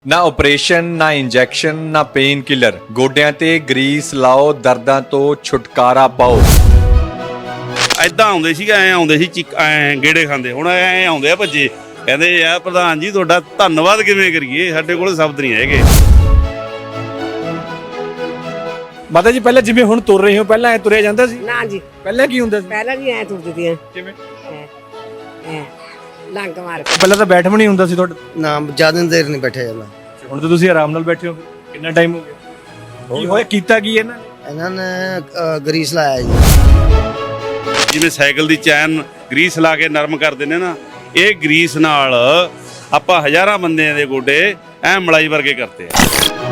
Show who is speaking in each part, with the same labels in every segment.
Speaker 1: ਨਾ ਆਪਰੇਸ਼ਨ ਨਾ ਇੰਜੈਕਸ਼ਨ ਨਾ ਪੇਨ ਕਿਲਰ ਗੋਡਿਆਂ ਤੇ ਗਰੀਸ ਲਾਓ ਦਰਦਾਂ ਤੋਂ ਛੁਟਕਾਰਾ ਪਾਓ।
Speaker 2: ਐਦਾਂ ਆਉਂਦੇ ਸੀਗੇ, ਐ ਆਉਂਦੇ ਸੀ ਐ ਗੇੜੇ ਖਾਂਦੇ, ਹੁਣ ਐ ਆਉਂਦੇ ਆ ਭੱਜੇ, ਕਹਿੰਦੇ ਯਾਰ ਪ੍ਰਧਾਨ ਜੀ ਤੁਹਾਡਾ ਧੰਨਵਾਦ ਕਿਵੇਂ ਕਰੀਏ, ਸਾਡੇ ਕੋਲ ਸ਼ਬਦ ਨਹੀਂ ਹੈਗੇ।
Speaker 1: ਮਾਤਾ ਜੀ ਪਹਿਲਾਂ ਜਿਵੇਂ ਹੁਣ ਤੁਰ ਰਹੇ ਹੋ, ਪਹਿਲਾਂ ਐ ਤੁਰਿਆ ਜਾਂਦਾ ਸੀ?
Speaker 3: ਨਾ ਜੀ,
Speaker 1: ਪਹਿਲਾਂ ਕੀ ਹੁੰਦਾ ਸੀ?
Speaker 3: ਪਹਿਲਾਂ ਜੀ ਐ ਤੁਰਦੀ ਤੀ
Speaker 1: ਕਿਵੇਂ?
Speaker 3: ਐ ਲੰਗ ਮਾਰ ਕੇ।
Speaker 1: ਪਹਿਲਾਂ ਤਾਂ ਬੈਠ ਵੀ ਨਹੀਂ ਹੁੰਦਾ ਸੀ ਤੁਹਾਡਾ?
Speaker 4: ਨਾ ਜ਼ਿਆਦਾ ਦੇਰ ਨਹੀਂ ਬੈਠਿਆ ਜਾਂਦਾ।
Speaker 1: ਹੁਣ ਤਾਂ ਤੁਸੀਂ ਆਰਾਮ ਨਾਲ ਬੈਠੇ ਹੋ। ਕਿੰਨਾ ਟਾਈਮ ਹੋ ਗਿਆ? ਕੀ ਹੋਇਆ, ਕੀਤਾ ਕੀ ਇਹਨਾਂ ਨੇ?
Speaker 4: ਇਹਨਾਂ ਨੇ ਗਰੀਸ ਲਾਇਆ ਜੀ।
Speaker 2: ਜਿਵੇਂ ਸਾਈਕਲ ਦੀ ਚੈਨ ਗਰੀਸ ਲਾ ਕੇ ਨਰਮ ਕਰਦੇ ਨੇ ਨਾ, ਇਹ ਗਰੀਸ ਨਾਲ ਆਪਾਂ ਹਜ਼ਾਰਾਂ ਬੰਦਿਆਂ ਦੇ ਗੋਡੇ ਐ ਮਲਾਈ ਵਰਗੇ ਕਰਤੇ ਆ।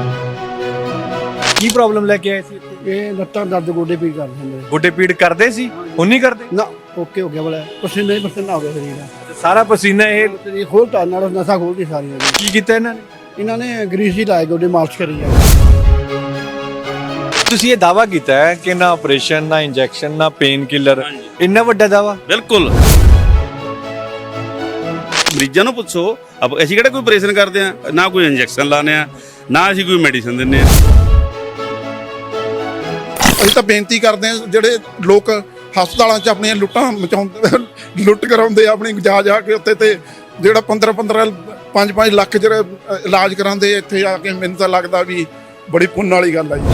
Speaker 1: ਕੀ ਪ੍ਰੋਬਲਮ ਲੈ ਕੇ ਆਏ ਸੀ?
Speaker 5: ਇਹ ਲੱਤਾਂ ਦਰਦ ਗੋਡੇ ਪੀੜ ਕਰਦੇ ਨੇ।
Speaker 1: ਗੋਡੇ ਪੀੜ ਕਰਦੇ ਸੀ, ਹੁਣ ਨਹੀਂ ਕਰਦੇ?
Speaker 5: ਨਾ ਓਕੇ ਹੋ ਗਿਆ ਬੜਾ, ਪਸੀਨਾ ਹੀ ਪਸੀਨਾ ਹੋ ਗਿਆ ਸਰੀਰ ਦਾ।
Speaker 1: ਸਾਰਾ ਪਸੀਨਾ ਇਹ
Speaker 5: ਸਰੀਰ ਖੋਲਤਾ ਨਾਲ ਨਸਾਂ ਖੋਲਦੀ ਸਾਰੀਆਂ ਦੀ।
Speaker 1: ਕੀ ਕੀਤਾ ਇਹਨਾਂ ਨੇ?
Speaker 5: ਇਹਨਾਂ ਨੇ ਗਰੀਸ ਹੀ ਲਾਏ, ਗੋਡੇ ਮਾਲਿਸ਼ ਕਰੀ ਆ।
Speaker 1: ਤੁਸੀਂ ਇਹ ਦਾਵਾ ਕੀਤਾ ਹੈ ਕਿ ਨਾ ਆਪਰੇਸ਼ਨ ਨਾ ਇੰਜੈਕਸ਼ਨ ਨਾ ਪੇਨ ਕਿਲਰ, ਇੰਨਾ ਵੱਡਾ ਦਾਵਾ?
Speaker 2: ਬਿਲਕੁਲ। ਮਰੀਜ਼ਾਂ ਨੂੰ ਪੁੱਛੋ, ਅਸੀਂ ਕਿਹੜਾ ਕੋਈ ਆਪਰੇਸ਼ਨ ਕਰਦੇ ਆ, ਨਾ ਕੋਈ ਇੰਜੈਕਸ਼ਨ ਲਾਉਂਦੇ ਆ, ਨਾ ਅਸੀਂ ਕੋਈ ਮੈਡੀਸਿਨ ਦਿੰਦੇ ਆ।
Speaker 6: ਅਸੀਂ ਤਾਂ ਬੇਨਤੀ ਕਰਦੇ ਹਾਂ, ਜਿਹੜੇ ਲੋਕ ਹਸਪਤਾਲਾਂ 'ਚ ਆਪਣੀਆਂ ਲੁੱਟਾਂ ਮਚਾਉਂਦੇ, ਲੁੱਟ ਕਰਾਉਂਦੇ ਆ ਆਪਣੀ ਜਾ ਕੇ ਉੱਤੇ, ਤੇ ਜਿਹੜਾ 15 5 ਲੱਖ ਜਿਹੜਾ ਇਲਾਜ ਕਰਾਉਂਦੇ ਇੱਥੇ ਆ ਕੇ, ਮੈਨੂੰ ਤਾਂ ਲੱਗਦਾ ਵੀ ਬੜੀ ਪੁੰਨ ਵਾਲੀ ਗੱਲ ਆ ਜੀ।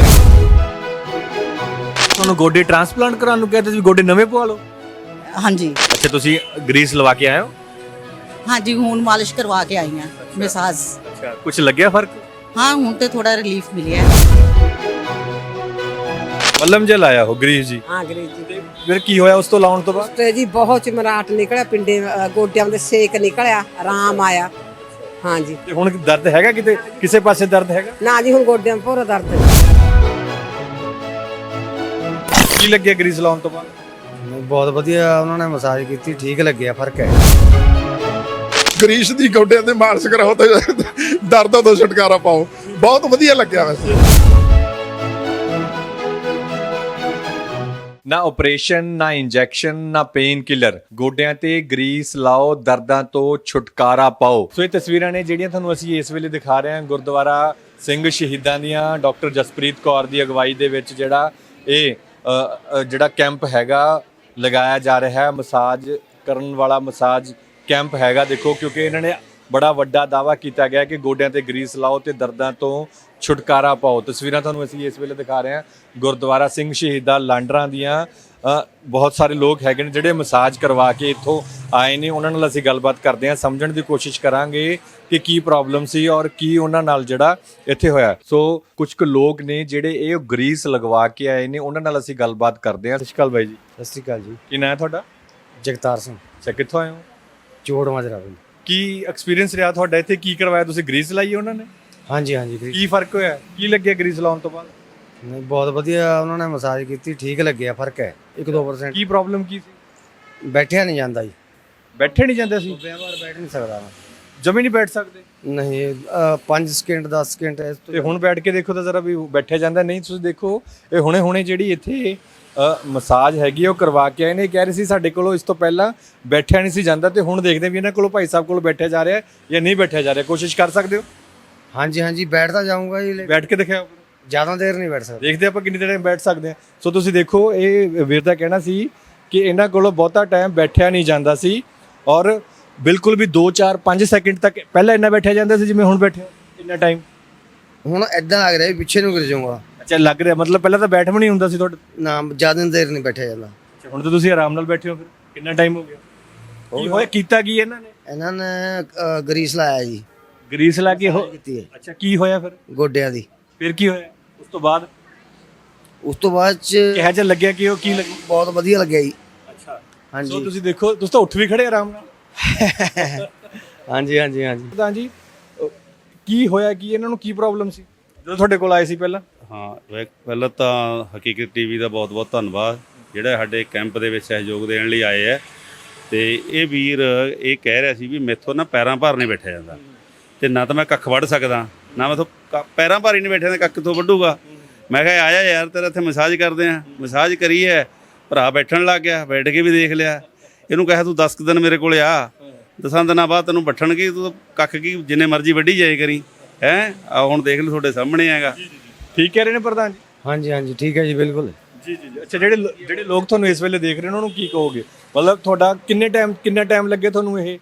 Speaker 1: ਤੁਹਾਨੂੰ ਗੋਡੇ ਟ੍ਰਾਂਸਪਲਾਂਟ ਕਰਾਉਣ ਨੂੰ ਕਹਿੰਦੇ ਸੀ, ਗੋਡੇ ਨਵੇਂ ਪਵਾ ਲਓ।
Speaker 7: ਹਾਂਜੀ
Speaker 1: ਅੱਛਾ, ਤੁਸੀਂ ਗਰੀਸ ਲਵਾ ਕੇ ਆਏ ਹੋ?
Speaker 7: ਹਾਂਜੀ, ਹੁਣ ਮਾਲਿਸ਼ ਕਰਵਾ ਕੇ ਆਈ ਹਾਂ, ਮਸਾਜ।
Speaker 1: ਅੱਛਾ, ਕੁਝ ਲੱਗਿਆ ਫਰਕ?
Speaker 7: ਹਾਂ, ਹੁਣ ਤੇ ਥੋੜਾ ਰਿਲੀਫ ਮਿਲਿਆ।
Speaker 1: ਮੱਲਮ ਜੇ ਲਾਇਆ ਹੋ ਗਰੀਸ ਜੀ?
Speaker 3: ਹਾਂ ਗਰੀਸ ਜੀ।
Speaker 1: ਫਿਰ ਕੀ ਹੋਇਆ ਉਸ ਤੋਂ ਲਾਉਣ ਤੋਂ ਬਾਅਦ?
Speaker 3: ਤੇ ਜੀ ਬਹੁਤ ਚਮਰਾਟ ਨਿਕਲਿਆ, ਪਿੰਡੇ ਗੋਡਿਆਂ ਦੇ ਸੇਕ ਨਿਕਲਿਆ, ਆਰਾਮ ਆਇਆ। ਹਾਂ ਜੀ।
Speaker 1: ਤੇ ਹੁਣ ਦਰਦ ਹੈਗਾ ਕਿਤੇ, ਕਿਸੇ ਪਾਸੇ ਦਰਦ ਹੈਗਾ?
Speaker 3: ਨਾ ਜੀ, ਹੁਣ ਗੋਡਿਆਂ 'ਚ ਪੂਰਾ ਦਰਦ ਹੈ।
Speaker 1: ਕੀ ਲੱਗਿਆ ਗਰੀਸ ਲਾਉਣ ਤੋਂ ਬਾਅਦ?
Speaker 4: ਬਹੁਤ ਵਧੀਆ, ਉਹਨਾਂ ਨੇ ਮਸਾਜ ਕੀਤੀ, ਠੀਕ ਲੱਗਿਆ, ਫਰਕ ਹੈ।
Speaker 6: ਗਰੀਸ ਦੀ ਗੋਡਿਆਂ ਤੇ ਮਾਲਿਸ਼ ਕਰਾਓ ਤੇ ਦਰਦਾਂ ਤੋਂ ਛੁਟਕਾਰਾ ਪਾਓ। ਬਹੁਤ ਵਧੀਆ ਲੱਗਿਆ ਵੈਸੇ।
Speaker 1: ਨਾ ਆਪਰੇਸ਼ਨ ਨਾ ਇੰਜੈਕਸ਼ਨ ਨਾ ਪੇਨ ਕਿਲਰ ਗੋਡਿਆਂ ਤੇ ਗਰੀਸ ਲਾਓ ਦਰਦਾਂ ਤੋਂ ਛੁਟਕਾਰਾ ਪਾਓ। ਸੋ ਇਹ ਤਸਵੀਰਾਂ ਨੇ ਜਿਹੜੀਆਂ ਤੁਹਾਨੂੰ ਅਸੀਂ ਇਸ ਵੇਲੇ ਦਿਖਾ ਰਹੇ ਹਾਂ ਗੁਰਦੁਆਰਾ ਸਿੰਘ ਸ਼ਹੀਦਾਂ ਦੀਆਂ, ਡਾਕਟਰ ਜਸਪ੍ਰੀਤ ਕੌਰ ਦੀ ਅਗਵਾਈ ਦੇ ਵਿੱਚ ਜਿਹੜਾ ਇਹ ਜਿਹੜਾ ਕੈਂਪ ਹੈਗਾ ਲਗਾਇਆ ਜਾ ਰਿਹਾ ਹੈ, ਮਸਾਜ ਕਰਨ ਵਾਲਾ ਮਸਾਜ ਕੈਂਪ ਹੈਗਾ। ਦੇਖੋ, ਕਿਉਂਕਿ ਇਹਨਾਂ ਨੇ ਬੜਾ ਵੱਡਾ ਦਾਅਵਾ ਕੀਤਾ ਗਿਆ ਕਿ ਗੋਡਿਆਂ ਤੇ ਗਰੀਸ ਲਾਓ ਤੇ ਦਰਦਾਂ ਤੋਂ ਛੁਟਕਾਰਾ ਪਾਓ। ਤਸਵੀਰਾਂ ਤੁਹਾਨੂੰ ਅਸੀਂ ਇਸ ਵੇਲੇ ਦਿਖਾ ਰਹੇ ਹਾਂ ਗੁਰਦੁਆਰਾ ਸਿੰਘ ਸ਼ਹੀਦਾਂ ਲਾਂਡਰਾਂ ਦੀਆਂ। ਬਹੁਤ ਸਾਰੇ ਲੋਕ ਹੈਗੇ ਨੇ ਜਿਹੜੇ ਮਸਾਜ ਕਰਵਾ ਕੇ ਇੱਥੋਂ ਆਏ ਨੇ, ਉਹਨਾਂ ਨਾਲ ਅਸੀਂ ਗੱਲਬਾਤ ਕਰਦੇ ਹਾਂ, ਸਮਝਣ ਦੀ ਕੋਸ਼ਿਸ਼ ਕਰਾਂਗੇ ਕਿ ਕੀ ਪ੍ਰੋਬਲਮ ਸੀ ਔਰ ਕੀ ਉਹਨਾਂ ਨਾਲ ਜਿਹੜਾ ਇੱਥੇ ਹੋਇਆ। ਸੋ ਕੁਝ ਕੁ ਲੋਕ ਨੇ ਜਿਹੜੇ ਇਹ ਗਰੀਸ ਲਗਵਾ ਕੇ ਆਏ ਨੇ, ਉਹਨਾਂ ਨਾਲ ਅਸੀਂ ਗੱਲਬਾਤ ਕਰਦੇ ਹਾਂ। ਸਤਿ ਸ਼੍ਰੀ ਅਕਾਲ ਬਾਈ ਜੀ।
Speaker 4: ਸਤਿ ਸ਼੍ਰੀ ਅਕਾਲ ਜੀ।
Speaker 1: ਕੀ ਨਾਂ ਹੈ ਤੁਹਾਡਾ?
Speaker 4: ਜਗਤਾਰ ਸਿੰਘ,
Speaker 1: ਅੱਛਾ, ਕਿੱਥੋਂ ਆਏ ਹੋ?
Speaker 4: ਚੋੜ ਮਾਜਰਾ ਪਿੰਡ।
Speaker 1: ਕੀ ਐਕਸਪੀਰੀਅੰਸ ਰਿਹਾ ਤੁਹਾਡਾ ਇੱਥੇ? ਕੀ ਕਰਵਾਇਆ ਤੁਸੀਂ? ਗਰੀਸ ਲਾਈ ਉਹਨਾਂ ਨੇ?
Speaker 4: ਹਾਂਜੀ ਹਾਂਜੀ, ਗਰੀਸ।
Speaker 1: ਕੀ ਫਰਕ ਹੋਇਆ? ਕੀ ਲੱਗਿਆ ਗਰੀਸ ਲਾਉਣ ਤੋਂ ਬਾਅਦ?
Speaker 4: ਨਹੀਂ, ਬਹੁਤ ਵਧੀਆ, ਉਹਨਾਂ ਨੇ ਮਸਾਜ ਕੀਤੀ, ਠੀਕ ਲੱਗਿਆ, ਫਰਕ ਹੈ 1-2%।
Speaker 1: ਕੀ ਪ੍ਰੋਬਲਮ ਕੀ ਸੀ?
Speaker 4: ਬੈਠਿਆ ਨਹੀਂ ਜਾਂਦਾ ਜੀ।
Speaker 1: ਬੈਠੇ ਨਹੀਂ ਜਾਂਦੇ ਸੀ?
Speaker 4: ਬਾਰ ਬੈਠ ਨਹੀਂ ਸਕਦਾ ਮੈਂ।
Speaker 1: ਜਮੀ ਨਹੀਂ ਬੈਠ ਸਕਦੇ?
Speaker 4: ਨਹੀਂ, 5 ਸਕਿੰਟ 10 ਸਕਿੰਟ ਇਸ ਤੋਂ।
Speaker 1: ਤੇ ਹੁਣ ਬੈਠ ਕੇ ਦੇਖੋ ਤਾਂ ਜ਼ਰਾ ਵੀ ਬੈਠਿਆ ਜਾਂਦਾ ਨਹੀਂ। ਤੁਸੀਂ ਦੇਖੋ, ਇਹ ਹੁਣੇ ਜਿਹੜੀ ਇੱਥੇ ਮਸਾਜ ਹੈਗੀ ਉਹ ਕਰਵਾ ਕੇ ਆਏ ਨੇ। ਕਹਿ ਰਹੇ ਸੀ ਸਾਡੇ ਕੋਲੋਂ ਇਸ ਤੋਂ ਪਹਿਲਾਂ ਬੈਠਿਆ ਨਹੀਂ ਸੀ ਜਾਂਦਾ, ਤੇ ਹੁਣ ਦੇਖਦੇ ਵੀ ਇਹਨਾਂ ਕੋਲੋਂ ਭਾਈ ਸਾਹਿਬ ਕੋਲੋਂ ਬੈਠਿਆ ਜਾ ਰਿਹਾ ਜਾਂ ਨਹੀਂ ਬੈਠਿਆ ਜਾ ਰਿਹਾ। ਕੋਸ਼ਿਸ਼ ਕਰ ਸਕਦੇ ਹੋ?
Speaker 4: ਹਾਂਜੀ ਹਾਂਜੀ, ਬੈਠਦਾ ਜਾਊਂਗਾ ਜੀ।
Speaker 1: ਬੈਠ ਕੇ ਦਿਖਾਓ।
Speaker 4: ਜ਼ਿਆਦਾ ਦੇਰ ਨਹੀਂ ਬੈਠ ਸਕਦਾ।
Speaker 1: ਦੇਖਦੇ ਆਪਾਂ ਕਿੰਨੀ ਦੇਰ ਬੈਠ ਸਕਦੇ ਹਾਂ। ਸੋ ਤੁਸੀਂ ਦੇਖੋ, ਇਹ ਵੀਰ ਦਾ ਕਹਿਣਾ ਸੀ ਕਿ ਇਹਨਾਂ ਕੋਲੋਂ ਬਹੁਤਾ ਟਾਈਮ ਬੈਠਿਆ ਨਹੀਂ ਜਾਂਦਾ ਸੀ, ਔਰ ਬਿਲਕੁਲ ਵੀ 2 4 5 ਸੈਕਿੰਡ ਤੱਕ ਪਹਿਲਾਂ ਇੰਨਾ ਬੈਠਿਆ ਜਾਂਦਾ ਸੀ ਜਿਵੇਂ ਹੁਣ ਬੈਠਿਆ ਇੰਨਾ ਟਾਈਮ।
Speaker 4: ਹੁਣ ਐਦਾਂ ਲੱਗ ਰਿਹਾ ਵੀ ਪਿੱਛੇ ਨੂੰ ਗਿਰ ਜਾਊਂਗਾ।
Speaker 1: ਅੱਛਾ, ਲੱਗ ਰਿਹਾ ਮਤਲਬ ਪਹਿਲਾਂ ਤਾਂ ਬੈਠ ਵੀ ਨਹੀਂ ਹੁੰਦਾ ਸੀ ਤੁਹਾਡਾ?
Speaker 4: ਨਾ, ਜ਼ਿਆਦਾ ਦੇਰ ਨਹੀਂ ਬੈਠਿਆ ਜਾਂਦਾ।
Speaker 1: ਅੱਛਾ, ਹੁਣ ਤਾਂ ਤੁਸੀਂ ਆਰਾਮ ਨਾਲ ਬੈਠੇ ਹੋ। ਫਿਰ ਕਿੰਨਾ ਟਾਈਮ ਹੋ ਗਿਆ? ਕੀ ਹੋਇਆ, ਕੀਤਾ ਕੀ ਇਹਨਾਂ ਨੇ?
Speaker 4: ਇਹਨਾਂ ਨੇ ਗਰੀਸ ਲਾਇਆ ਜੀ।
Speaker 1: ਗਰੀਸ ਲਾ ਕੇ
Speaker 4: ਕੀਤੀ ਹੈ
Speaker 1: ਅੱਛਾ, ਕੀ ਹੋਇਆ ਫਿਰ?
Speaker 4: ਗੋਡਿਆਂ ਦੀ।
Speaker 1: ਫਿਰ ਕੀ ਹੋਇਆ ਉਸ ਤੋਂ ਬਾਅਦ?
Speaker 4: ਉਸ ਤੋਂ ਬਾਅਦ ਚ
Speaker 1: ਕਿਹੋ ਜਿਹਾ ਲੱਗਿਆ ਕਿ ਉਹ ਕੀ ਲੱਗਿਆ?
Speaker 4: ਬਹੁਤ ਵਧੀਆ ਲੱਗਿਆ ਜੀ।
Speaker 1: ਅੱਛਾ,
Speaker 4: ਹਾਂਜੀ।
Speaker 1: ਸੋ ਤੁਸੀਂ ਦੇਖੋ, ਤੁਸੀਂ ਤਾਂ ਉੱਠ ਵੀ ਖੜੇ ਆਰਾਮ ਨਾਲ।
Speaker 4: ਹਾਂਜੀ ਹਾਂਜੀ ਹਾਂਜੀ।
Speaker 1: ਤਾਂ ਜੀ ਕੀ ਹੋਇਆ, ਕੀ ਇਹਨਾਂ ਨੂੰ ਕੀ ਪ੍ਰੋਬਲਮ ਸੀ ਜਦੋਂ ਤੁਹਾਡੇ ਕੋਲ ਆਏ ਸੀ ਪਹਿਲਾਂ?
Speaker 2: ਹਾਂ, ਪਹਿਲਾਂ ਤਾਂ ਹਕੀਕਤ ਟੀਵੀ ਦਾ ਬਹੁਤ ਬਹੁਤ ਧੰਨਵਾਦ, ਜਿਹੜਾ ਸਾਡੇ ਕੈਂਪ ਦੇ ਵਿੱਚ ਸਹਿਯੋਗ ਦੇਣ ਲਈ ਆਏ ਹੈ। ਤੇ ਇਹ ਵੀਰ ਇਹ ਕਹਿ ਰਿਹਾ ਸੀ ਵੀ ਮੈਥੋਂ ਨਾ ਪੈਰਾਂ ਭਾਰ ਨਹੀਂ ਬੈਠਿਆ ਜਾਂਦਾ, ਤੇ ਨਾ ਤਾਂ ਮੈਂ ਕੱਖ ਵੱਢ ਸਕਦਾ, ਨਾ ਮੈਥੋਂ ਪੈਰਾਂ ਭਾਰ ਹੀ ਨਹੀਂ ਬੈਠਿਆ, ਕੱਖ ਕਿੱਥੋਂ ਵੱਢੂਗਾ। ਮੈਂ ਕਿਹਾ ਆਇਆ ਯਾਰ, ਤੇਰਾ ਇੱਥੇ ਮਸਾਜ ਕਰਦੇ ਆ। ਮਸਾਜ ਕਰੀ ਹੈ, ਭਰਾ ਬੈਠਣ ਲੱਗ ਗਿਆ, ਬੈਠ ਕੇ ਵੀ ਦੇਖ ਲਿਆ। ਇਹਨੂੰ ਕਿਹਾ ਤੂੰ 10 ਦਿਨ ਮੇਰੇ ਕੋਲ ਆ, 10 ਦਿਨਾਂ ਬਾਅਦ ਤੈਨੂੰ ਬੱਠਣ ਕੀ, ਤੂੰ ਕੱਖ ਕੀ ਜਿੰਨੇ ਮਰਜ਼ੀ ਵੱਢੀ ਜਾਏ ਕਰੀ। ਹੈ ਹੁਣ ਦੇਖ ਲਓ ਤੁਹਾਡੇ ਸਾਹਮਣੇ ਹੈਗਾ।
Speaker 1: ਠੀਕ ਕਹਿ ਰਹੇ ਨੇ ਪ੍ਰਧਾਨ ਜੀ।
Speaker 4: ਹਾਂਜੀ ਹਾਂਜੀ ਠੀਕ ਹੈ ਜੀ ਬਿਲਕੁਲ।
Speaker 1: ਜੀ ਜੀ ਜੀ। ਅੱਛਾ, ਜਿਹੜੇ ਲੋਕ ਤੁਹਾਨੂੰ ਇਸ ਵੇਲੇ ਦੇਖ ਰਹੇ ਨੇ ਉਹਨਾਂ ਨੂੰ ਕੀ ਕਹੋਗੇ? ਮਤਲਬ ਤੁਹਾਡਾ ਕਿੰਨਾ ਟਾਈਮ ਲੱਗੇ ਤੁਹਾਨੂੰ ਇਹ?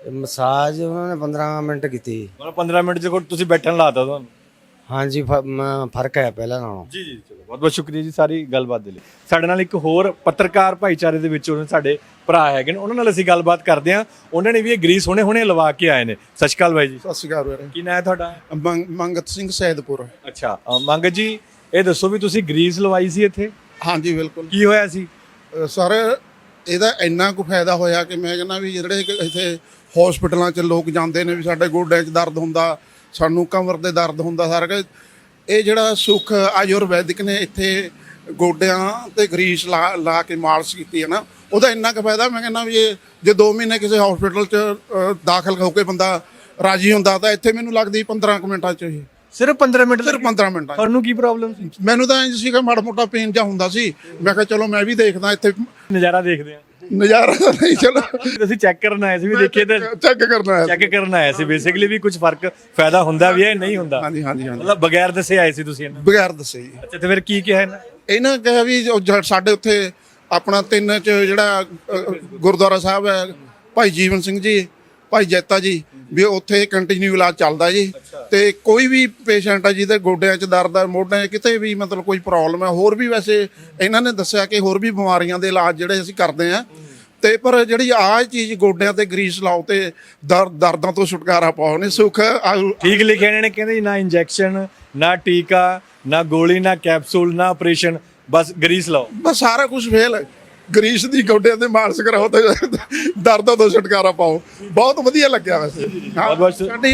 Speaker 4: ਮਸਾਜ ਉਹਨਾਂ ਨੇ 15 ਮਿੰਟ ਕੀਤੀ।
Speaker 1: ਮਤਲਬ 15 ਮਿੰਟ ਚ ਤੁਸੀਂ ਬੈਠਣ ਲਾਤਾ ਤੁਹਾਨੂੰ?
Speaker 4: ਹਾਂਜੀ ਫਰਕ ਹੈ ਪਹਿਲਾਂ ਨਾਲੋਂ।
Speaker 1: ਜੀ ਜੀ, ਚਲੋ ਬਹੁਤ ਬਹੁਤ ਸ਼ੁਕਰੀਆ ਜੀ ਸਾਰੀ ਗੱਲਬਾਤ ਦੇ ਲਈ। ਸਾਡੇ ਨਾਲ ਇੱਕ ਹੋਰ ਪੱਤਰਕਾਰ ਭਾਈਚਾਰੇ ਦੇ ਵਿੱਚੋਂ ਸਾਡੇ ਭਰਾ ਹੈਗੇ ਨੇ, ਉਹਨਾਂ ਨਾਲ ਅਸੀਂ ਗੱਲਬਾਤ ਕਰਦੇ ਹਾਂ। ਉਹਨਾਂ ਨੇ ਵੀ ਇਹ ਗਰੀਸ ਹੁਣੇ ਲਵਾ ਕੇ ਆਏ ਨੇ। ਸਤਿ ਸ਼੍ਰੀ ਅਕਾਲ ਬਾਈ ਜੀ।
Speaker 6: ਸਤਿ ਸ਼੍ਰੀ ਅਕਾਲ ਵੀਰੇ।
Speaker 1: ਕੀ ਨਾਂ ਹੈ ਤੁਹਾਡਾ?
Speaker 6: ਮੰਗਤ ਸਿੰਘ ਸੈਦਪੁਰ।
Speaker 1: ਅੱਛਾ ਮੰਗਤ ਜੀ, ਇਹ ਦੱਸੋ ਵੀ ਤੁਸੀਂ ਗਰੀਸ ਲਵਾਈ ਸੀ ਇੱਥੇ,
Speaker 6: ਹਾਂਜੀ ਬਿਲਕੁਲ।
Speaker 1: ਕੀ ਹੋਇਆ ਸੀ?
Speaker 6: ਸਰ ਇਹਦਾ ਇੰਨਾ ਕੁ ਫਾਇਦਾ ਹੋਇਆ ਕਿ ਮੈਂ ਕਹਿੰਦਾ ਵੀ ਜਿਹੜੇ ਇੱਥੇ ਹਸਪੀਟਲਾਂ 'ਚ ਲੋਕ ਜਾਂਦੇ ਨੇ ਵੀ ਸਾਡੇ ਗੋਡਿਆਂ 'ਚ ਦਰਦ ਹੁੰਦਾ, ਸਾਨੂੰ ਕਮਰ ਦੇ ਦਰਦ ਹੁੰਦਾ, ਸਾਰਾ ਕੁਝ ਇਹ ਜਿਹੜਾ ਸੁੱਖ ਆਯੁਰਵੈਦਿਕ ਨੇ ਇੱਥੇ ਗੋਡਿਆਂ ਤੇ ਗਰੀਸ ਲਾ ਕੇ ਮਾਲਿਸ਼ ਕੀਤੀ ਹੈ ਨਾ, ਉਹਦਾ ਇੰਨਾ ਕੁ ਫਾਇਦਾ। ਮੈਂ ਕਹਿੰਦਾ ਵੀ ਇਹ ਜੇ 2 ਮਹੀਨੇ ਕਿਸੇ ਹਸਪੀਟਲ 'ਚ ਦਾਖਲ ਹੋ ਕੇ ਬੰਦਾ ਰਾਜੀ ਹੁੰਦਾ ਤਾਂ ਇੱਥੇ ਮੈਨੂੰ ਲੱਗਦੀ 15 ਕੁ ਮਿੰਟਾਂ 'ਚ ਇਹ
Speaker 1: ਸਿਰਫ 15 ਮਿੰਟ?
Speaker 6: ਸਿਰਫ 15 ਮਿੰਟਾਂ 'ਚ।
Speaker 1: ਤੁਹਾਨੂੰ ਕੀ ਪ੍ਰੋਬਲਮ ਸੀ?
Speaker 6: ਮੈਨੂੰ ਤਾਂ ਇੰਝ ਸੀਗਾ ਮਾੜਾ ਮੋਟਾ ਪੇਨ ਜਿਹਾ ਹੁੰਦਾ ਸੀ। ਮੈਂ ਕਿਹਾ ਚਲੋ ਮੈਂ ਵੀ ਦੇਖਦਾ ਇੱਥੇ
Speaker 1: ਨਜ਼ਾਰਾ ਦੇਖਦੇ ਆ।
Speaker 6: ਨਜ਼ਾਰਾ ਤਾਂ ਨਹੀਂ, ਚਲੋ
Speaker 1: ਤੁਸੀਂ ਚੈੱਕ ਕਰਨ ਆਏ ਸੀ ਵੀ ਦੇਖੀਏ ਤਾਂ
Speaker 6: ਚੈੱਕ ਕਰਨਾ ਹੈ।
Speaker 1: ਚੈੱਕ ਕਰਨ ਆਏ ਸੀ ਬੇਸਿਕਲੀ ਵੀ ਕੁਝ ਫਰਕ ਫਾਇਦਾ ਹੁੰਦਾ ਵੀ ਹੈ ਨਹੀਂ ਹੁੰਦਾ?
Speaker 6: ਹਾਂਜੀ ਹਾਂਜੀ ਹਾਂਜੀ,
Speaker 1: ਮਤਲਬ ਬਗੈਰ ਦੱਸੇ ਆਏ ਸੀ ਤੁਸੀਂ ਇਹਨਾਂ?
Speaker 6: ਬਗੈਰ ਦੱਸੇ ਜੀ।
Speaker 1: ਅੱਛਾ, ਤੇ ਫਿਰ ਕੀ ਕਿਹਾ
Speaker 6: ਇਹਨਾਂ ਕਿਹਾ ਵੀ ਸਾਡੇ ਉੱਥੇ ਆਪਣਾ 3 ਚ ਜਿਹੜਾ ਗੁਰਦੁਆਰਾ ਸਾਹਿਬ ਹੈ, ਭਾਈ ਜੀਵਨ ਸਿੰਘ ਜੀ, ਭਾਈ ਜੈਤਾ ਜੀ, ਵੀ ਉੱਥੇ ਕੰਟੀਨਿਊ ਇਲਾਜ ਚੱਲਦਾ ਜੀ। ਤੇ ਕੋਈ ਵੀ ਪੇਸ਼ੈਂਟ ਹੈ ਜਿਹਦੇ ਗੋਡਿਆਂ 'ਚ ਦਰਦ ਹੈ, ਮੋਢਿਆਂ 'ਚ ਕਿਤੇ ਵੀ ਮਤਲਬ ਕੋਈ ਪ੍ਰੋਬਲਮ ਹੈ, ਹੋਰ ਵੀ ਵੈਸੇ ਇਹਨਾਂ ਨੇ ਦੱਸਿਆ ਕਿ ਹੋਰ ਵੀ ਬਿਮਾਰੀਆਂ ਦੇ ਇਲਾਜ ਜਿਹੜੇ ਅਸੀਂ ਕਰਦੇ ਹਾਂ। ਤੇ ਪਰ ਜਿਹੜੀ ਆਹ ਚੀਜ਼ ਗੋਡਿਆਂ ਤੇ ਗਰੀਸ ਲਾਓ ਤੇ ਦਰਦਾਂ ਤੋਂ ਛੁਟਕਾਰਾ ਪਾਓ ਨੇ, ਸੁੱਖ
Speaker 1: ਠੀਕ ਲਿਖਿਆ ਇਹਨਾਂ ਨੇ, ਕਹਿੰਦੇ ਜੀ ਨਾ ਇੰਜੈਕਸ਼ਨ, ਨਾ ਟੀਕਾ, ਨਾ ਗੋਲੀ, ਨਾ ਕੈਪਸੂਲ, ਨਾ ਆਪਰੇਸ਼ਨ, ਬਸ ਗਰੀਸ ਲਾਓ।
Speaker 6: ਬਸ ਸਾਰਾ ਕੁਝ ਫੇਲ ਹੈ। ਗਰੀਸ ਦੀ ਗੋਡਿਆਂ ਤੇ ਮਾਲਿਸ਼ ਕਰਾਓ ਤੇ ਦਰਦਾਂ ਤੋਂ ਛੁਟਕਾਰਾ ਪਾਓ। ਬਹੁਤ ਵਧੀਆ ਲੱਗਿਆ ਵੈਸੇ। ਸਾਡੀ